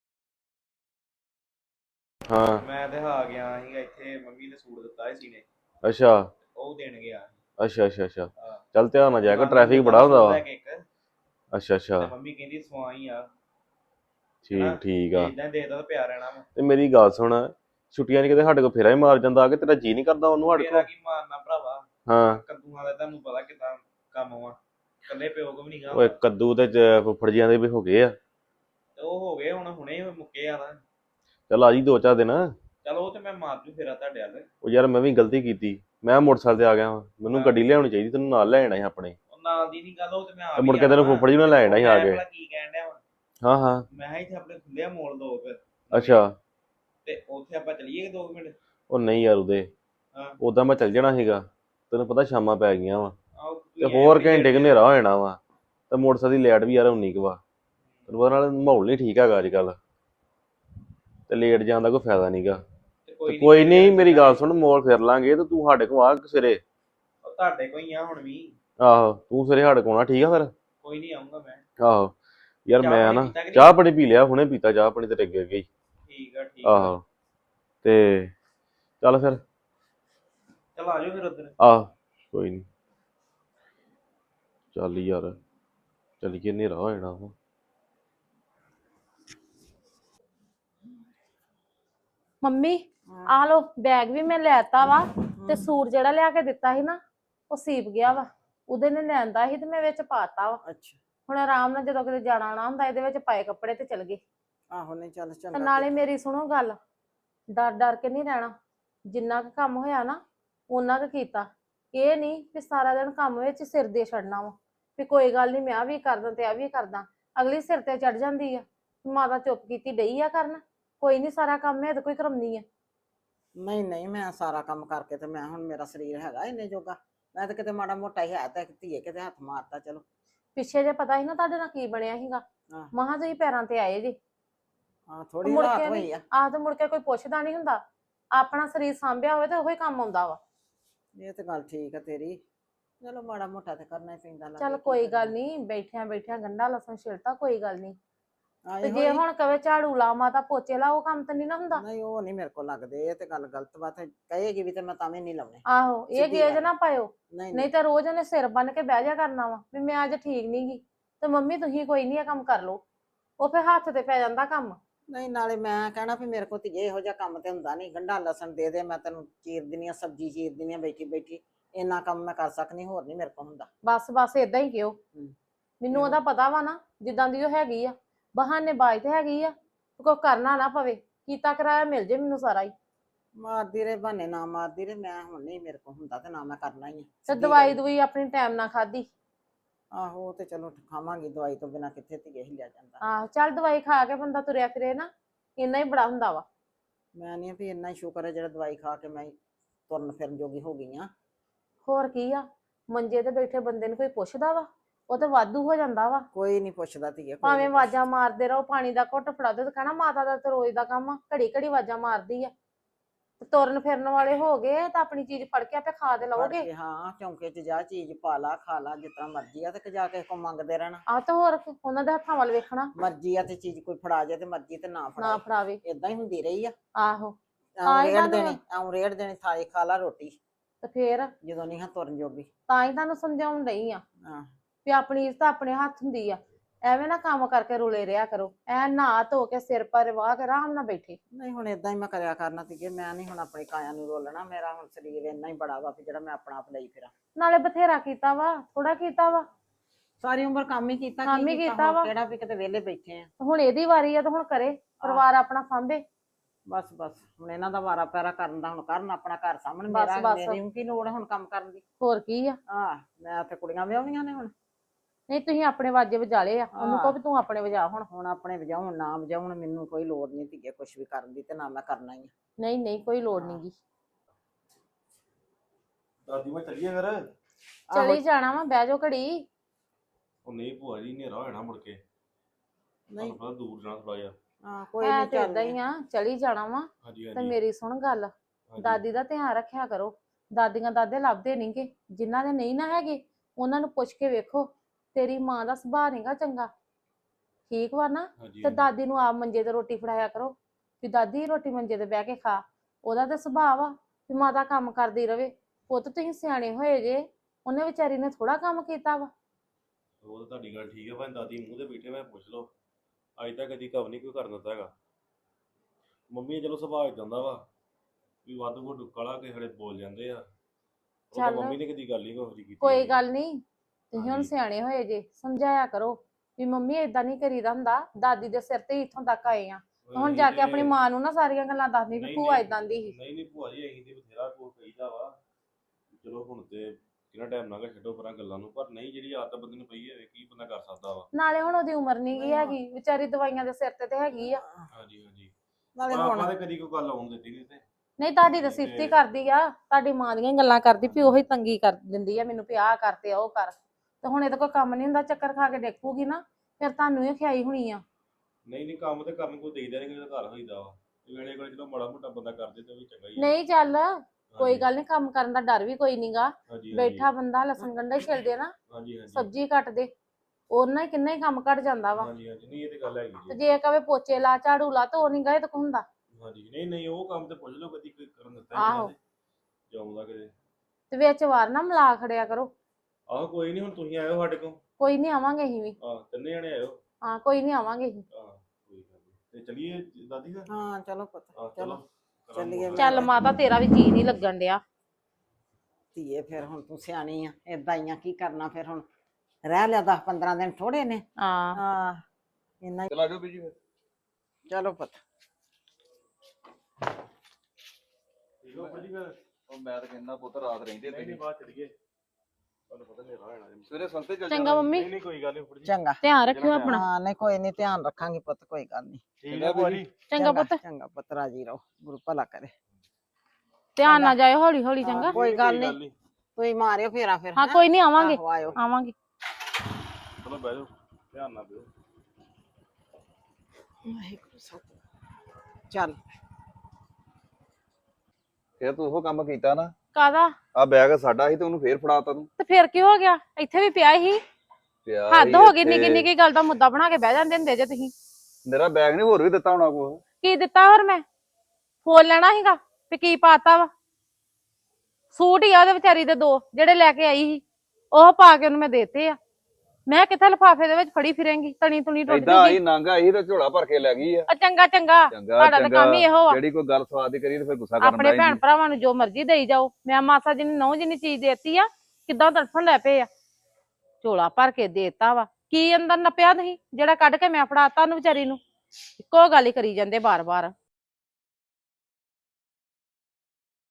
[SPEAKER 3] ਹਾਂ
[SPEAKER 5] ਮੈਂ ਤੇ ਆ ਗਿਆ ਸੀਗਾ ਇੱਥੇ, ਮੰਮੀ ਨੇ ਸੂਟ ਦਿੱਤਾ ਸੀ ਨੇ
[SPEAKER 3] ਅੱਛਾ
[SPEAKER 5] ਉਹ ਦੇਣ ਗਿਆ।
[SPEAKER 3] ਅੱਛਾ ਅੱਛਾ ਅੱਛਾ
[SPEAKER 5] ਹਾਂ।
[SPEAKER 3] ਚੱਲ ਧਿਆਨ ਨਾਲ ਜਾਇਆ ਕਰ ਟ੍ਰੈਫਿਕ ਬੜਾ ਹੁੰਦਾ ਵਾ
[SPEAKER 5] ਲੈ ਕੇ ਇੱਕ
[SPEAKER 3] ਅੱਛਾ ਅੱਛਾ
[SPEAKER 5] ਤੇ ਮੰਮੀ ਕਹਿੰਦੀ ਸਵਾਈ ਆ
[SPEAKER 3] ਠੀਕ ਠੀਕ ਆ
[SPEAKER 5] ਇਦਾਂ ਦੇਦਾ ਤਾਂ ਪਿਆ ਰਹਿਣਾ ਵਾ।
[SPEAKER 3] ਤੇ ਮੇਰੀ ਗੱਲ ਸੁਣ ਛੁੱਟੀਆਂ 'ਚ ਕਿਤੇ ਸਾਡੇ ਕੋਲ ਫੇਰਾ ਹੀ ਮਾਰ ਜਾਂਦਾ ਆ ਕੇ ਤੇਰਾ ਜੀ ਨਹੀਂ ਕਰਦਾ ਉਹਨੂੰ ਸਾਡੇ
[SPEAKER 5] ਮੇਰਾ
[SPEAKER 3] ਕੋਲ
[SPEAKER 5] ਕੀ ਮਾਰਨਾ ਭਰਾਵਾ,
[SPEAKER 3] ਹਾਂ
[SPEAKER 5] ਕੱਦੂਆਂ ਦਾ ਤੁਹਾਨੂੰ ਪਤਾ ਕਿਦਾਂ ਕੰਮ ਵਾ। ਇਕੱਲੇ ਪਿਓ ਕੋ ਵੀ ਨਹੀਂ ਗਾ
[SPEAKER 3] ਓਏ ਕੱਦੂ ਤੇ ਜ- ਫੁੱਫੜ ਜੀਆਂ ਦੇ ਵੀ ਹੋ ਗਏ ਆ।
[SPEAKER 5] ਤੇ ਉਹ ਹੋ ਗਏ ਹੁਣ ਹੁਣੇ ਹੀ ਮੁੱਕੇ ਆ ਨਾ।
[SPEAKER 3] ਚੱਲ ਆ ਜੀ ਦੋ ਚਾਰ ਦਿਨ।
[SPEAKER 5] ਚਲੋ ਉਹ ਤੇ ਮੈਂ ਮਾਰ ਜੂ ਫੇਰਾ ਤੁਹਾਡੇ ਵੱਲ।
[SPEAKER 3] ਉਹ ਯਾਰ ਮੈਂ ਵੀ ਗਲਤੀ ਕੀਤੀ, ਮੈਂ ਮੋਟਰਸਾਈਕਲ ਤੇ ਆ ਗਿਆ ਵਾਂ, ਮੈਨੂੰ
[SPEAKER 5] ਹਾਂ।
[SPEAKER 3] ਗੱਡੀ ਲਿਆਉਣੀ ਚਾਹੀਦੀ, ਤੈਨੂੰ ਨਾਲ ਲੈ ਜਾਣਾ ਸੀ ਆਪਣੇ।
[SPEAKER 5] ਉਹ ਨਾਲ ਦੀ ਨਹੀਂ ਗੱਲ, ਉਹ ਤੇ ਮੈਂ ਆ
[SPEAKER 3] ਤੇ ਮੁੜ ਕੇ ਤੈਨੂੰ ਫੁੱਫੜ ਜੀ ਨਾਲ ਲੈ ਜਾਣਾ ਸੀ ਆ ਕੇ।
[SPEAKER 5] ਮੈਂ ਕੀ ਕਹਿਣ ਡਿਆ ਵਾਂ,
[SPEAKER 3] ਹਾਂ ਹਾਂ
[SPEAKER 5] ਮੈਂ ਕਿਹਾ ਇੱਥੇ ਆਪਣੇ ਖੁੱਲੇ ਆ ਮੋਲ ਦੋ ਫਿਰ
[SPEAKER 3] ਅੱਛਾ।
[SPEAKER 5] ਤੇ ਉੱਥੇ ਆਪਾਂ ਚੱਲੀਏ ਦੋ ਮਿੰਟ।
[SPEAKER 3] ਉਹ ਨਹੀਂ ਯਾਰ ਉਹਦੇ
[SPEAKER 5] ਹਾਂ।
[SPEAKER 3] ਉਦਾਂ ਮੈਂ ਚੱਲ ਜਾਣਾ ਸੀਗਾ, ਤੈਨੂੰ ਪਤਾ ਸ਼ਾਮਾਂ ਪੈ ਗਈਆਂ ਵਾ
[SPEAKER 5] ਆਓ
[SPEAKER 3] ਤੇ ਹੋਰ ਘੰਟੇ ਕੁ ਹਨੇਰਾ ਹੋ ਜਾਣਾ ਵਾ, ਤੇ ਮੋਟਰਸਾਈਕਲ ਦੀ ਲਾਈਟ ਵੀ ਯਾਰ ਉਨੀ ਕੁ ਵਾ, ਤੈਨੂੰ ਪਤਾ ਨਾਲ ਮਾਹੌਲ ਨਹੀਂ ਠੀਕ ਹੈਗਾ ਅੱਜ ਕੱਲ, ਤੇ ਲੇਟ ਜਾਣ ਦਾ ਕੋਈ ਫਾਇਦਾ ਨਹੀਂਗਾ। ਤੇ ਕੋਈ ਨਹੀਂ, ਮੇਰੀ ਗੱਲ ਸੁਣ, ਮੋਲ ਫਿਰ ਲਾਂਗੇ ਤੇ ਤੂੰ ਸਾਡੇ ਕੋਲ ਆ ਸਵੇਰੇ।
[SPEAKER 5] ਉਹ ਤੁਹਾਡੇ ਕੋਈ ਆ ਹੁਣ ਵੀ।
[SPEAKER 3] ਆਹੋ ਤੂੰ ਸਵੇਰੇ ਸਾਡੇ ਕੋਲ ਆਉਣਾ, ਠੀਕ ਆ ਫਿਰ।
[SPEAKER 5] ਕੋਈ ਨਹੀਂ ਆਉਂਗਾ ਮੈਂ।
[SPEAKER 3] ਆਹੋ ਯਾਰ
[SPEAKER 5] ਚਾਹ
[SPEAKER 3] ਮੈਂ
[SPEAKER 5] ਪਾਣੀ
[SPEAKER 3] ਨਾ
[SPEAKER 5] ਪੀਤਾ ਕਿ ਨਹੀਂ?
[SPEAKER 3] ਚਾਹ ਪਾਣੀ ਪੀ ਲਿਆ, ਹੁਣੇ ਪੀਤਾ ਚਾਹ ਪਾਣੀ ਤੇਰੇ ਅੱਗੇ ਅੱਗੇ ਹੀ।
[SPEAKER 5] ਠੀਕ ਆ ਠੀਕ ਆ।
[SPEAKER 3] ਆਹੋ ਤੇ ਚੱਲ ਫਿਰ।
[SPEAKER 5] ਚਲ ਆ ਜਾਓ ਫਿਰ ਉੱਧਰ।
[SPEAKER 3] ਆਹ ਕੋਈ ਨਹੀਂ, ਚੱਲ ਯਾਰ ਚੱਲੀਏ, ਹਨੇਰਾ ਹੋ ਜਾਣਾ ਵਾ।
[SPEAKER 1] ਮੰਮੀ ਆ ਲੋ ਬੈਗ ਵੀ ਮੈਂ ਲੈਤਾ ਵਾ, ਤੇ ਸੂਟ ਜਿਹੜਾ ਲਿਆ ਕੇ ਦਿੱਤਾ ਸੀ ਨਾ ਉਹ ਸੀਪ ਗਿਆ ਵਾ, ਉਹਦੇ ਨੇ ਲੈਂਦਾ ਸੀ ਤੇ ਮੈਂ ਵਿੱਚ ਪਾਤਾ ਵਾ।
[SPEAKER 2] ਅੱਛਾ
[SPEAKER 1] ਹੁਣ ਆਰਾਮ ਨਾਲ ਜਦੋਂ ਕਿਤੇ ਜਾਣਾ ਆਉਣਾ ਹੁੰਦਾ ਇਹਦੇ ਵਿੱਚ ਪਾਏ ਕੱਪੜੇ ਤੇ ਚਲ ਗਏ।
[SPEAKER 2] ਆਹੋ ਨਹੀਂ ਚੱਲ
[SPEAKER 1] ਤੇ
[SPEAKER 2] ਚੰਗਾ
[SPEAKER 1] ਨਾਲੇ
[SPEAKER 2] ਕੀਤਾ।
[SPEAKER 1] ਮੇਰੀ ਸੁਣੋ ਗੱਲ, ਡਰ ਡਰ ਕੇ ਨਹੀਂ ਰਹਿਣਾ, ਜਿੰਨਾ ਕੁ ਕੰਮ ਹੋਇਆ ਨਾ ਉਹਨਾਂ ਕੁ ਕੀਤਾ। ਇਹ ਨਹੀਂ ਕਿ ਸਾਰਾ ਦਿਨ ਕੰਮ ਵਿੱਚ ਸਿਰ ਦੇ ਛੱਡਣਾ ਵਾ ਵੀ ਕੋਈ ਗੱਲ ਨਹੀਂ ਮੈਂ ਆ ਵੀ ਕਰਦਾ ਤੇ ਆ ਵੀ ਕਰਦਾ, ਅਗਲੀ ਸਿਰ ਤੇ ਚੜ ਜਾਂਦੀ ਆ। ਮਾਤਾ ਚੁੱਪ ਕੀਤੀ ਡਈ ਆ ਕਰਨ, ਕੋਈ ਨਹੀਂ ਸਾਰਾ ਕੰਮ ਮੈਂ ਤੇ ਕੋਈ ਕਰਮਨੀ ਆ।
[SPEAKER 2] ਨਹੀਂ ਨਹੀਂ ਮੈਂ ਸਾਰਾ ਕੰਮ ਕਰਕੇ ਤੇ ਮੈਂ ਹੁਣ ਮੇਰਾ ਸਰੀਰ ਹੈਗਾ ਇੰਨੇ ਜੋਗਾ, ਮੈਂ ਤਾਂ ਕਿਤੇ ਮਾੜਾ ਮੋਟਾ ਹੀ ਹੈ ਤਾਂ ਧੀਏ ਕਿਤੇ ਹੱਥ ਮਾਰਤਾ। ਚਲੋ
[SPEAKER 1] ਪਿੱਛੇ ਜੇ ਪਤਾ ਸੀ ਨਾ ਤੁਹਾਡੇ ਨਾਲ ਕੀ ਬਣਿਆ ਸੀਗਾ,
[SPEAKER 2] ਹਾਂ।
[SPEAKER 1] ਮਹਾਂ ਤੁਸੀਂ ਪੈਰਾਂ ਤੇ ਆਏ ਜੀ।
[SPEAKER 2] ਹਾਂ ਥੋੜੀ
[SPEAKER 1] ਮੁੜ
[SPEAKER 2] ਰਾਤ
[SPEAKER 1] ਕੇ
[SPEAKER 2] ਹੋਈ
[SPEAKER 1] ਨੀ
[SPEAKER 2] ਆ।
[SPEAKER 1] ਆਹ ਤੇ ਮੁੜ ਕੇ ਕੋਈ ਪੁੱਛਦਾ ਨਹੀਂ ਹੁੰਦਾ, ਆਪਣਾ ਸਰੀਰ ਸਾਂਭਿਆ ਹੋਵੇ ਤੇ ਉਹੀ ਕੰਮ ਆਉਂਦਾ ਵਾ।
[SPEAKER 2] ਇਹ ਤੇ ਗੱਲ ਠੀਕ ਆ ਤੇਰੀ, ਚਲੋ ਮਾੜਾ ਮੋਟਾ ਤੇ ਕਰਨਾ ਹੀ ਪੈਂਦਾ।
[SPEAKER 1] ਚੱਲ ਕੋਈ ਗੱਲ ਨਹੀਂ, ਬੈਠਿਆਂ ਬੈਠਿਆਂ ਗੰਢਾ ਲਸਣ ਛਿਲਤਾ ਕੋਈ ਗੱਲ ਨਹੀਂ।
[SPEAKER 2] ਹਾਂ,
[SPEAKER 1] ਤੇ
[SPEAKER 2] ਇਹੋ
[SPEAKER 1] ਜੇ
[SPEAKER 2] ਹੀ।
[SPEAKER 1] ਹੁਣ ਕਵੇ ਝਾੜੂ ਲਾ ਮਾਤਾ ਪੋਚੇ ਲਾ, ਉਹ ਕੰਮ ਤਾਂ ਨਹੀਂ ਨਾ ਹੁੰਦਾ।
[SPEAKER 2] ਨਹੀਂ ਉਹ ਨਹੀਂ ਮੇਰੇ ਕੋਲ ਲੱਗਦੇ, ਇਹ ਤੇ ਗੱਲ ਗਲਤ ਬਾਤ ਹੈ, ਕਹੇਗੀ ਵੀ ਤੇ ਮੈਂ ਤਾਂ ਵੀ ਨਹੀਂ ਲਾਉਣੇ।
[SPEAKER 1] ਆਹੋ ਇਹ
[SPEAKER 2] ਸਿੱਧੀ
[SPEAKER 1] ਗੇਜ
[SPEAKER 2] ਗੱਲ।
[SPEAKER 1] ਨਾ ਪਾਇਓ,
[SPEAKER 2] ਨਹੀਂ
[SPEAKER 1] ਨਹੀਂ
[SPEAKER 2] ਨਹੀਂ
[SPEAKER 1] ਤਾਂ ਰੋਜ਼ ਉਹਨੇ ਸਿਰ ਬੰਨ ਕੇ ਬਹਿ ਜਾ ਕਰਨਾ ਵਾ ਵੀ ਮੈਂ ਅੱਜ ਠੀਕ ਨੀ ਗੀ, ਤੇ ਮੰਮੀ ਤੁਸੀਂ ਕੋਈ ਨਹੀਂ ਇਹ ਕੰਮ ਕਰ ਲਓ, ਉਹ ਫਿਰ ਹੱਥ ਤੇ ਪੈ ਜਾਂਦਾ ਕੰਮ।
[SPEAKER 2] ਨਹੀਂ ਨਾਲੇ ਮੈਂ ਕਹਿਣਾ ਵੀ ਮੇਰੇ ਕੋਲ ਧੀਏ ਇਹੋ ਜਿਹਾ ਕੰਮ ਤੇ ਹੁੰਦਾ ਨਹੀਂ, ਗੰਢਾ ਲਸਣ ਦੇ ਦੇ ਮੈਂ ਤੈਨੂੰ ਚੀਰ ਦਿੰਨੀ ਆ, ਸਬਜ਼ੀ ਚੀਰ ਦਿੰਨੀ ਆ ਬੈਠੀ ਬੈਠੀ, ਇੰਨਾ ਕੰਮ ਮੈਂ ਕਰ ਸਕਨੀ, ਹੋਰ ਨਹੀਂ ਮੇਰੇ ਕੋਲ ਹੁੰਦਾ।
[SPEAKER 1] ਬਸ ਬਸ ਏਦਾਂ ਹੀ ਕਿਉ, ਮੈਨੂੰ ਉਹਦਾ ਪਤਾ ਵਾ ਨਾ ਜਿੱਦਾਂ ਦੀ ਉਹ ਹੈਗੀ ਆ, ਬਹਾਨੇ ਬਾਜ਼ ਤੇ ਹੈਗੀ ਆ, ਕੋਈ ਕਰਨਾ ਨਾ ਪਵੇ, ਕੀਤਾ ਕਰਾਇਆ ਮਿਲ ਜੇ ਮੈਨੂੰ ਸਾਰਾ ਹੀ।
[SPEAKER 2] ਮਾਰਦੀ ਰਹੇ ਬਹਾਨੇ ਨਾ ਮਾਰਦੀ ਰਹੇ, ਮੈਂ ਹੁਣ ਨਹੀਂ ਮੇਰੇ ਕੋਲ ਹੁੰਦਾ ਤੇ ਨਾ ਮੈਂ ਕਰਨਾ ਹੀ ਆ।
[SPEAKER 1] ਤੇ
[SPEAKER 2] ਸਿੱਧੀ
[SPEAKER 1] ਦਵਾਈ
[SPEAKER 2] ਗੱਲ।
[SPEAKER 1] ਦਵਾਈ ਆਪਣੀ ਟਾਈਮ ਨਾਲ ਖਾਧੀ।
[SPEAKER 2] ਆਹੋ ਉਹ ਤੇ ਚਲੋ ਖਾਵਾਂਗੀ, ਦਵਾਈ ਤੋਂ ਬਿਨਾ ਕਿੱਥੇ ਧੀਏ ਹਿੱਲਿਆ ਜਾਂਦਾ।
[SPEAKER 1] ਆਹੋ ਚੱਲ ਦਵਾਈ ਖਾ ਕੇ ਬੰਦਾ ਤੁਰਿਆ ਫਿਰੇ ਨਾ, ਇੰਨਾ ਹੀ ਬੜਾ ਹੁੰਦਾ ਵਾ।
[SPEAKER 2] ਮੈਂ ਨਹੀਂ ਵੀ ਇੰਨਾ ਹੀ ਸ਼ੁਕਰ ਹੈ ਜਿਹੜਾ ਦਵਾਈ ਖਾ ਕੇ ਮੈਂ ਤੁਰਨ ਫਿਰਨ ਜੋਗੀ ਹੋ ਗਈ ਆ।
[SPEAKER 1] ਹੋਰ ਕੀ ਆ, ਮੰਜੇ ਤੇ ਬੈਠੇ ਬੰਦੇ ਨੂੰ ਕੋਈ ਪੁੱਛਦਾ ਵਾ, ਉਹ ਤੇ ਵਾਧੂ ਹੋ ਜਾਂਦਾ ਵਾ।
[SPEAKER 2] ਕੋਈ ਨਹੀਂ ਪੁੱਛਦਾ ਧੀਏ, ਕੋਈ
[SPEAKER 1] ਭਾਵੇਂ
[SPEAKER 2] ਨੀ
[SPEAKER 1] ਆਵਾਜ਼ਾਂ ਮਾਰਦੇ ਰਹੋ, ਪਾਣੀ ਦਾ ਘੁੱਟ ਫੜਾ ਦਿਓ ਤੇ ਕਹਿਣਾ ਮਾਤਾ ਦਾ ਤੇ ਰੋਜ਼ ਦਾ ਕੰਮ ਆ, ਘੜੀ ਘੜੀ ਆਵਾਜ਼ਾਂ ਮਾਰਦੀ ਆ। ਤੇ ਤੁਰਨ ਫਿਰਨ ਵਾਲੇ ਹੋ ਗਏ ਤਾਂ ਆਪਣੀ ਚੀਜ਼ ਫੜ ਕੇ ਆਪੇ ਖਾ ਦੇ
[SPEAKER 2] ਫੜ
[SPEAKER 1] ਲਓਗੇ।
[SPEAKER 2] ਕੇ, ਹਾਂ ਚੌਂਕੇ 'ਚ ਜਾ ਚੀਜ਼ ਪਾ ਲਾ ਖਾ ਲਾ ਜਿਸ ਤਰ੍ਹਾਂ ਮਰਜ਼ੀ ਆ, ਤੇ ਜਾ ਕੇ ਕੋ ਮੰਗਦੇ ਰਹਿਣਾ।
[SPEAKER 1] ਆਹ ਤਾਂ ਹੋਰ ਕੀ, ਉਹਨਾਂ ਦੇ ਹੱਥਾਂ ਵੱਲ ਵੇਖਣਾ,
[SPEAKER 2] ਮਰਜ਼ੀ ਆ ਤੇ ਚੀਜ਼ ਕੋਈ ਫੜਾ ਜਾਏ ਤੇ ਮਰਜ਼ੀ ਤੇ ਨਾ
[SPEAKER 1] ਨਾ
[SPEAKER 2] ਫੜਾ,
[SPEAKER 1] ਫੜਾਵੇ।
[SPEAKER 2] ਇਦਾਂ ਹੀ ਹੁੰਦੀ ਰਹੀ ਆ।
[SPEAKER 1] ਆਹੋ
[SPEAKER 2] ਐਂ
[SPEAKER 1] ਤਾਂ ਹੀ
[SPEAKER 2] ਰੇੜ
[SPEAKER 1] ਤੁਹਾਨੂੰ-
[SPEAKER 2] ਦੇਣੀ ਐਂ ਰੇੜ ਦੇਣੀ, ਥਾਲੀ ਖਾ ਲਾ ਰੋਟੀ,
[SPEAKER 1] ਤੇ ਫੇਰ
[SPEAKER 2] ਜਦੋਂ ਨਹੀਂ ਹਾਂ ਤੁਰਨ ਜੋਗੀ।
[SPEAKER 1] ਤਾਂ ਹੀ ਤੁਹਾਨੂੰ ਸਮਝਾਉਣ ਡਈ ਆ
[SPEAKER 2] ਹਾਂ
[SPEAKER 1] ਵੀ ਆਪਣੀ ਇੱਜ਼ਤ ਆਪਣੇ ਹੱਥ ਹੁੰਦੀ ਆ, ਐਵੇਂ ਨਾ ਕੰਮ ਕਰਕੇ ਰੁਲੇ ਰਿਹਾ ਕਰੋ, ਐ ਨਹਾ ਧੋ ਕੇ ਸਿਰ ਪਰ ਵਾਹ ਕੇ ਆਰਾਮ ਨਾਲ ਬੈਠੇ।
[SPEAKER 2] ਨਹੀਂ ਹੁਣ ਇਦਾਂ ਹੀ ਮੈਂ ਕਰਿਆ ਕਰਨਾ ਸੀਗੇ, ਮੈਂ ਨਹੀਂ ਹੁਣ ਆਪਣੀ ਕਾਇਆ ਨੂੰ ਰੋਲਣਾ, ਮੇਰਾ ਹੁਣ ਸਰੀਰ ਇੰਨਾ ਹੀ ਬੜਾ ਵਾ ਵੀ ਜਿਹੜਾ ਮੈਂ ਆਪਣਾ ਆਪ ਲਈ ਫਿਰਾਂ।
[SPEAKER 1] ਨਾਲੇ ਬਥੇਰਾ ਕੀਤਾ ਵਾ, ਥੋੜਾ ਕੀਤਾ ਵਾ,
[SPEAKER 2] ਸਾਰੀ ਉਮਰ ਕੰਮ ਹੀ ਕੀਤਾ,
[SPEAKER 1] ਕੰਮ
[SPEAKER 2] ਕੀ
[SPEAKER 1] ਹੀ
[SPEAKER 2] ਕੀਤਾ
[SPEAKER 1] ਕੀਤਾ
[SPEAKER 2] ਹੋਰ
[SPEAKER 1] ਵਾ।
[SPEAKER 2] ਕਿਹੜਾ ਵੀ ਕਿਤੇ ਵਿਹਲੇ ਬੈਠੇ ਆ।
[SPEAKER 1] ਹੁਣ ਇਹਦੀ ਵਾਰੀ ਆ ਤਾਂ ਹੁਣ ਕਰੇ, ਪਰਿਵਾਰ ਆਪਣਾ ਸਾਂਭੇ।
[SPEAKER 2] ਬਸ ਬਸ ਹੁਣ ਇਹਨਾਂ ਦਾ ਵਾਰਾ ਪੈਰਾ ਕਰਨ ਦਾ, ਹੁਣ ਕਰਨ ਆਪਣਾ ਘਰ ਸਾਹਮਣੇ,
[SPEAKER 1] ਬਸ,
[SPEAKER 2] ਮੇਰਾ
[SPEAKER 1] ਬਸ।
[SPEAKER 2] ਮੇਰੀ ਨੂੰ ਕੀ ਲੋੜ ਹੈ ਹੁਣ ਕੰਮ ਕਰਨ ਦੀ।
[SPEAKER 1] ਹੋਰ ਕੀ ਆ,
[SPEAKER 2] ਆਹ ਮੈਂ ਤੇ ਕੁੜੀਆਂ ਵਿਆਹੁਣੀਆਂ ਨੇ ਹੁਣ।
[SPEAKER 1] ਨਹੀਂ ਤੁਸੀਂ ਆਪਣੇ ਵਾਜੇ ਵਜਾ ਲਏ ਆ, ਉਹਨੂੰ ਕਹੋ ਵੀ ਤੂੰ ਆਪਣੇ ਵਜਾ ਹੁਣ।
[SPEAKER 2] ਹੁਣ ਆਪਣੇ ਵਜਾਉਣ ਨਾ ਵਜਾਉਣ ਮੈਨੂੰ ਕੋਈ ਲੋੜ ਨਹੀਂ ਧੀਏ ਕੁਛ ਵੀ ਕਰਨ ਦੀ, ਤੇ ਨਾ ਮੈਂ ਕਰਨਾ ਹੀ ਆ।
[SPEAKER 1] ਨਹੀਂ ਨਹੀਂ ਕੋਈ ਲੋੜ ਨੀ ਗੀ,
[SPEAKER 3] ਦਾਦੀ ਮੈਂ ਚੱਲੀਏ ਫਿਰ।
[SPEAKER 1] ਚਲੀ ਜਾਣਾ ਵਾ, ਬਹਿ ਜਾਓ ਘੜੀ।
[SPEAKER 3] ਉਹ ਨਹੀਂ ਭੂਆ ਜੀ, ਹਨੇਰਾ ਹੋ ਜਾਣਾ ਮੁੜ ਕੇ,
[SPEAKER 2] ਨਹੀਂ
[SPEAKER 3] ਤੁਹਾਨੂੰ ਪਤਾ ਦੂਰ ਜਾਣਾ ਥੋੜਾ ਜਿਹਾ।
[SPEAKER 2] ਹਾਂ ਕੋਈ
[SPEAKER 1] ਹੈ
[SPEAKER 2] ਨਹੀਂ
[SPEAKER 1] ਤੇ ਏਦਾਂ ਹੀ
[SPEAKER 2] ਚੱਲਦੇ
[SPEAKER 1] ਆ, ਚਲੀ ਜਾਣਾ ਵਾ।
[SPEAKER 3] ਹਾਂਜੀ
[SPEAKER 1] ਤੇ
[SPEAKER 3] ਹਾਂਜੀ
[SPEAKER 1] ਮੇਰੀ ਸੁਣ ਗੱਲ,
[SPEAKER 3] ਹਾਂਜੀ।
[SPEAKER 1] ਦਾਦੀ ਦਾ ਧਿਆਨ ਰੱਖਿਆ ਕਰੋ, ਦਾਦੀਆਂ ਦਾਦੇ ਲੱਭਦੇ ਨਹੀਂਗੇ, ਜਿਨ੍ਹਾਂ ਦੇ ਨਹੀਂ ਨਾ ਹੈਗੇ ਉਹਨਾਂ ਨੂੰ ਪੁੱਛ ਕੇ ਵੇਖੋ। ਤੇਰੀ ਮਾਂ ਦਾ ਸੁਭਾਅ ਨਹੀਂਗਾ ਚੰਗਾ, ਠੀਕ ਵਾ ਨਾ?
[SPEAKER 3] ਹਾਂਜੀ,
[SPEAKER 1] ਤੇ
[SPEAKER 3] ਹਾਂਜੀ।
[SPEAKER 1] ਦਾਦੀ ਨੂੰ ਆਪ ਮੰਜੇ ਤੇ ਰੋਟੀ ਫੜਾਇਆ ਕਰੋ ਵੀ ਦਾਦੀ ਰੋਟੀ ਮੰਜੇ ਤੇ ਬਹਿ ਕੇ ਖਾ। ਉਹਦਾ ਤੇ ਸੁਭਾਅ ਵਾ ਵੀ ਮਾਤਾ ਕੰਮ ਕਰਦੀ ਰਵੇ। ਪੁੱਤ ਤੁਸੀਂ ਸਿਆਣੇ ਹੋਏ ਜੇ, ਉਹਨੇ ਵਿਚਾਰੀ ਨੇ ਥੋੜਾ ਕੰਮ ਕੀਤਾ ਵਾ।
[SPEAKER 3] ਉਹ ਤਾਂ ਤੁਹਾਡੀ ਗੱਲ ਠੀਕ ਹੈ, ਭਾਵੇਂ ਦਾਦੀ ਮੂੰਹ ਤੇ ਬੈਠੇ ਮੈਂ ਪੁੱਛ ਲਓ, ਅੱਜ ਤੱਕ ਕਦੀ ਕੰਮ ਨਹੀਂ ਕੋਈ ਕਰ ਦਿੱਤਾ ਹੈਗਾ। ਮੰਮੀ ਚਲੋ ਸੁਭਾਅ ਏਦਾਂ ਦਾ ਵਾ ਵੀ ਵੱਧ ਘੁੱਟ ਕਾਲਾ ਕਿਸੇ ਵੇਲੇ ਬੋਲ ਜਾਂਦੇ ਆ, ਉਹ ਤਾਂ
[SPEAKER 1] ਚੱਲ।
[SPEAKER 3] ਮੰਮੀ ਨੇ ਕਦੀ ਗੱਲ ਹੀ ਕੋਈ ਜਿਹੀ ਕੀਤੀ
[SPEAKER 1] ਕੋਈ
[SPEAKER 3] ਹੈਗੀ।
[SPEAKER 1] ਗੱਲ ਨਹੀਂ, ਤੁਸੀਂ ਹੁਣ
[SPEAKER 3] ਹਾਂਜੀ।
[SPEAKER 1] ਸਿਆਣੇ ਹੋਏ ਜੇ, ਸਮਝਾਇਆ ਕਰੋ ਵੀ ਮੰਮੀ ਏਦਾਂ ਨਹੀਂ ਕਰੀਦਾ ਹੁੰਦਾ, ਦਾਦੀ ਦੇ ਸਿਰ ਤੇ ਹੀ ਇੱਥੋਂ ਤੱਕ ਆਏ ਆ। ਹੁਣ ਜਾ ਕੇ ਆਪਣੀ ਮਾਂ ਨੂੰ ਨਾ ਸਾਰੀਆਂ ਗੱਲਾਂ ਦੱਸਦੀ ਵੀ
[SPEAKER 3] ਨਹੀਂ,
[SPEAKER 1] ਭੂਆ
[SPEAKER 3] ਨਹੀਂ,
[SPEAKER 1] ਏਦਾਂ ਦੀ ਸੀ।
[SPEAKER 3] ਨਹੀਂ ਨਹੀਂ ਭੂਆ ਜੀ ਅਸੀਂ ਤੇ ਬਥੇਰਾ ਕੋ ਕਹੀਦਾ ਵਾ। ਚਲੋ ਹੁਣ ਤੇ ਕਿੰਨਾ ਟਾਈਮ ਲੰਘ ਗਿਆ, ਛੱਡੋ ਪਰਾਂ ਗੱਲਾਂ ਨੂੰ, ਪਰ ਨਹੀਂ ਜਿਹੜੀ ਆਦਤ ਬੰਦੇ ਨੂੰ ਪਈ ਹੈ ਕੀ ਬੰਦਾ ਕਰ ਸਕਦਾ ਵਾ।
[SPEAKER 1] ਨਾਲੇ ਹੁਣ ਉਹਦੀ ਉਮਰ ਨਹੀਂ ਗਈ ਹੈਗੀ, ਵਿਚਾਰੀ ਦਵਾਈਆਂ ਦੇ ਸਿਰ ਤੇ ਤੇ ਹੈਗੀ ਆ।
[SPEAKER 3] ਹਾਂਜੀ ਹਾਂਜੀ
[SPEAKER 2] ਨਾਲੇ
[SPEAKER 3] ਪਰ
[SPEAKER 2] ਹੁਣ
[SPEAKER 3] ਆਪਾਂ ਤੇ ਕਦੀ ਕੋਈ ਗੱਲ ਆਉਣ ਦਿੱਤੀ ਨਹੀਂ ਤੇ।
[SPEAKER 1] ਨਹੀਂ ਤੁਹਾਡੀ ਤਾਂ ਸਿਫਤ ਹੀ ਕਰਦੀ ਆ, ਤੁਹਾਡੀ ਮਾਂ ਦੀਆਂ ਹੀ ਗੱਲਾਂ ਕਰਦੀ ਵੀ ਉਹੀ ਤੰਗੀ ਕਰ ਦਿੰਦੀ ਆ ਮੈਨੂੰ ਵੀ ਆਹ ਕਰ ਤੇ ਉਹ ਕਰ, ਤੇ ਹੁਣ ਇਹਦਾ ਕੋਈ ਕੰਮ ਨਹੀਂ ਹੁੰਦਾ, ਚੱਕਰ ਖਾ ਕੇ ਡੇਕੂਗੀ ਨਾ ਫਿਰ ਤੁਹਾਨੂੰ ਹੀ ਖਿਆਈ ਹੋਣੀ ਆ।
[SPEAKER 3] ਨਹੀਂ ਨਹੀਂ ਕੰਮ ਤੇ ਕਰਨ ਕੋਈ ਦੇਈਦਾ ਨਹੀਂ, ਘਰ ਹੋਈਦਾ ਵਾ ਤੇ ਵੇਲੇ ਕੋਲ ਜਦੋਂ ਮਾੜਾ ਮੋਟਾ ਬੰਦਾ ਕਰਦੇ ਤੇ ਉਹ ਵੀ ਚੰਗਾ ਹੀ ਆ।
[SPEAKER 1] ਨਹੀਂ ਚੱਲ ਕੋਈ
[SPEAKER 3] ਹਾਂਜੀ,
[SPEAKER 1] ਗੱਲ ਨਹੀਂ, ਕੰਮ ਕਰਨ ਦਾ ਡਰ ਵੀ ਕੋਈ ਨਹੀਂਗਾ।
[SPEAKER 3] ਹਾਂਜੀ,
[SPEAKER 1] ਬੈਠਾ ਬੰਦਾ ਲਸਣ ਗੰਢਾ ਹੀ ਛਿਲਦੇ ਨਾ,
[SPEAKER 3] ਹਾਂਜੀ ਹਾਂਜੀ
[SPEAKER 1] ਸਬਜ਼ੀ ਕੱਟ ਦੇ, ਉਹਨਾਂ ਹੀ ਕਿੰਨਾ ਹੀ ਕੰਮ ਘਟ ਜਾਂਦਾ ਵਾ।
[SPEAKER 3] ਹਾਂਜੀ ਹਾਂਜੀ ਨਹੀਂ ਇਹ ਤੇ ਗੱਲ ਹੈਗੀ
[SPEAKER 1] ਤੇ
[SPEAKER 3] ਜੀ।
[SPEAKER 1] ਜੇ ਕਵੇ ਪੋਚੇ ਲਾ ਝਾੜੂ ਲਾ ਤਾਂ ਉਹ ਨਹੀਂ ਗਏ ਤਾਂ ਹੁੰਦਾ।
[SPEAKER 3] ਹਾਂਜੀ ਨਹੀਂ ਨਹੀਂ ਉਹ ਕੰਮ ਤੇ ਪੁੱਛ ਲਓ ਕਦੀ ਕੋਈ ਕਰਨ ਦਿੱਤਾ
[SPEAKER 1] ਆਹੋ।
[SPEAKER 3] ਹੀ ਜਾਉਂਦਾ ਕਿਤੇ।
[SPEAKER 1] ਤੇ ਵਿੱਚ ਵਾਰ ਨਾ ਮਿਲਾ ਖੜਿਆ ਕਰੋ।
[SPEAKER 3] ਆਹੋ ਕੋਈ ਨਹੀਂ, ਹੁਣ ਤੁਸੀਂ ਆਇਓ ਸਾਡੇ ਕੋਲ।
[SPEAKER 1] ਕੋਈ ਨਹੀਂ ਆਵਾਂਗੇ ਅਸੀਂ ਵੀ।
[SPEAKER 3] ਆਹ ਤਿੰਨੇ ਜਣੇ ਆਇਓ।
[SPEAKER 1] ਹਾਂ ਕੋਈ ਨਹੀਂ ਆਵਾਂਗੇ ਅਸੀਂ।
[SPEAKER 3] ਆਹ ਕੋਈ ਗੱਲ ਨੀ ਤੇ ਚਲੀਏ ਦਾਦੀ ਘਰ।
[SPEAKER 2] ਹਾਂ ਚਲੋ ਪੁੱਤ
[SPEAKER 3] ਆਹ
[SPEAKER 2] ਚਲੋ
[SPEAKER 3] ਕਰਾਂਗੇ
[SPEAKER 2] ਚੱਲੀਏ।
[SPEAKER 3] ਮੋਟਰ।
[SPEAKER 1] ਚੱਲ ਮਾਤਾ ਤੇਰਾ ਵੀ ਜੀ ਨਹੀਂ ਲੱਗਣ ਡਿਆ।
[SPEAKER 2] ਧੀਏ ਫਿਰ ਹੁਣ ਤੂੰ ਸਿਆਣੀ ਆ, ਏਦਾਂ ਹੀ ਆ, ਕੀ ਕਰਨਾ ਫਿਰ ਹੁਣ, ਰਹਿ ਲਿਆ ਦਸ ਪੰਦਰਾਂ ਦਿਨ ਥੋੜੇ ਨੇ।
[SPEAKER 1] ਹਾਂ
[SPEAKER 2] ਹਾਂ ਇੰਨਾ ਹੀ।
[SPEAKER 4] ਚਲਾ ਜਾਓ ਬੀਜੀ ਫਿਰ।
[SPEAKER 2] ਚਲੋ ਪੁੱਤ
[SPEAKER 3] ਠੀਕ ਹੋ ਜੀ ਫਿਰ।
[SPEAKER 4] ਉਹ ਮੈਂ ਤਾਂ ਕਹਿੰਦਾ ਪੁੱਤ ਰਾਤ ਰਹਿੰਦੇ
[SPEAKER 3] ਨਹੀਂ ਨਹੀਂ
[SPEAKER 4] ਤੁਸੀਂ
[SPEAKER 3] ਬਾਅਦ ਚਲੀਏ, ਤੁਹਾਨੂੰ ਪਤਾ ਨਹੀਂ ਰਹਿਣਾ ਜੀ।
[SPEAKER 4] ਸਵੇਰੇ ਸੰਤੇ ਚੱਲ
[SPEAKER 1] ਚੰਗਾ ਮੰਮੀ,
[SPEAKER 3] ਨਹੀਂ ਨਹੀਂ ਕੋਈ ਗੱਲ ਨਹੀਂ ਜੀ।
[SPEAKER 2] ਚੰਗਾ।
[SPEAKER 1] ਧਿਆਨ ਰੱਖਿਓ ਆਪਣਾ।
[SPEAKER 2] ਹਾਂ ਨਹੀਂ ਕੋਈ ਨਹੀਂ, ਧਿਆਨ ਰੱਖਾਂਗੇ ਪੁੱਤ, ਕੋਈ ਗੱਲ ਨਹੀਂ।
[SPEAKER 3] ਠੀਕ ਹੈ ਭੂਆ ਜੀ।
[SPEAKER 1] ਚੰਗਾ ਪੁੱਤ,
[SPEAKER 2] ਚੰਗਾ ਪੁੱਤ, ਰਾਜੀ ਰਹੋ, ਗੁਰੂ ਭਲਾ ਕਰੇ।
[SPEAKER 1] ਧਿਆਨ ਨਾਲ ਜਾਇਓ, ਹੌਲੀ ਹੌਲੀ
[SPEAKER 2] ਹਾਂ,
[SPEAKER 1] ਚੰਗਾ।
[SPEAKER 2] ਕੋਈ ਗੱਲ ਨਹੀਂ, ਤੁਸੀਂ ਮਾਰਿਓ ਫੇਰਾ ਫਿਰ।
[SPEAKER 1] ਹਾਂ
[SPEAKER 2] ਹੈਂ?
[SPEAKER 1] ਕੋਈ ਨਹੀਂ ਆਵਾਂਗੇ,
[SPEAKER 2] ਆਹੋ, ਆਇਓ।
[SPEAKER 1] ਆਵਾਂਗੇ।
[SPEAKER 3] ਚਲੋ ਬਹਿ ਜਾਓ, ਧਿਆਨ ਨਾਲ ਦਿਓ।
[SPEAKER 2] ਵਾਹਿਗੁਰੂ ਸਤਿ ਚੱਲ
[SPEAKER 4] ਫਿਰ ਤੂੰ ਉਹ ਕੰਮ ਕੀਤਾ ਨਾ,
[SPEAKER 1] ਕਾਦਾ?
[SPEAKER 4] ਆ ਬੈਗ ਸਾਡਾ ਸੀ ਤੇ ਉਹਨੂੰ ਫੇਰ ਫੜਾਤਾ ਤੂੰ।
[SPEAKER 1] ਤੇ ਫਿਰ ਕੀ ਹੋ ਗਿਆ, ਇੱਥੇ ਵੀ ਪਿਆ ਹੀ।
[SPEAKER 4] ਪਿਆ
[SPEAKER 1] ਹੱਦ
[SPEAKER 4] ਸੀ
[SPEAKER 1] ਹੋ ਗਈ,
[SPEAKER 4] ਇੱਥੇ।
[SPEAKER 1] ਨਿੱਕੀ ਨਿੱਕੀ ਗੱਲ ਦਾ ਮੁੱਦਾ ਬਣਾ ਕੇ ਬਹਿ ਜਾਂਦੇ ਹੁੰਦੇ ਜੇ ਤੁਸੀਂ।
[SPEAKER 4] ਮੇਰਾ ਬੈਗ ਨਹੀਂ ਹੋਰ ਵੀ ਦਿੱਤਾ ਹੋਣਾ ਕੋ।
[SPEAKER 1] ਕੀ ਦਿੱਤਾ ਹੋਰ ਮੈਂ? ਫੋਨ ਲੈਣਾ ਸੀਗਾ ਵੀ ਕੀ ਪਾਤਾ ਵਾ? ਸੂਟ ਹੀ ਆ ਉਹਦੇ ਵਿਚਾਰੀ ਦੇ ਦੋ ਜਿਹੜੇ ਲੈ ਕੇ ਆਈ ਸੀ, ਉਹ ਪਾ ਕੇ ਉਹਨੂੰ ਮੈਂ ਦੇਤੇ ਆ। ਮੈਂ ਕਿੱਥੇ ਲਿਫਾਫੇ ਦੇ ਵਿੱਚ ਫੜੀ ਫਿਰਾਂਗੀ, ਤਣੀ ਤੁਣੀ ਟੁੱਟ
[SPEAKER 4] ਏਦਾਂ ਆਈ
[SPEAKER 1] ਜੂਗੀ।
[SPEAKER 4] ਨੰਗ ਆਈ ਤੇ ਝੋਲਾ ਭਰ ਕੇ ਲੈ ਗਈ ਆ।
[SPEAKER 1] ਆ ਚੰਗਾ ਚੰਗਾ,
[SPEAKER 4] ਚੰਗਾ
[SPEAKER 1] ਤੁਹਾਡਾ ਤਾਂ ਕੰਮ ਹੀ ਇਹੋ ਆ।
[SPEAKER 4] ਜਿਹੜੀ ਕੋਈ ਗੱਲ ਸਵਾਦ ਦੀ ਕਰੀ ਤੇ ਫਿਰ ਗੁੱਸਾ ਕਰਨ
[SPEAKER 1] ਆਪਣੇ
[SPEAKER 4] ਲੱਗ
[SPEAKER 1] ਭੈਣ
[SPEAKER 4] ਜਾਂਦੀ।
[SPEAKER 1] ਭਰਾਵਾਂ ਨੂੰ ਜੋ ਮਰਜ਼ੀ ਦੇਈ ਜਾਓ, ਮੈਂ ਮਾਸਾ ਜਿੰਨੀ ਨੌ ਜਿੰਨੀ ਚੀਜ਼ ਦੇਤੀ ਆ, ਕਿੱਦਾਂ ਤੜਫਣ ਲੈ ਪਏ ਆ। ਝੋਲਾ ਭਰ ਕੇ ਦੇਤਾ ਵਾ, ਕੀ ਅੰਦਰ ਨੱਪਿਆ ਤੁਸੀਂ ਜਿਹੜਾ ਕੱਢ ਕੇ ਮੈਂ ਫੜਾਤਾ ਉਹਨੂੰ ਵਿਚਾਰੀ ਨੂੰ? ਇੱਕੋ ਗੱਲ ਹੀ ਕਰੀ ਜਾਂਦੇ ਬਾਰ ਬਾਰ।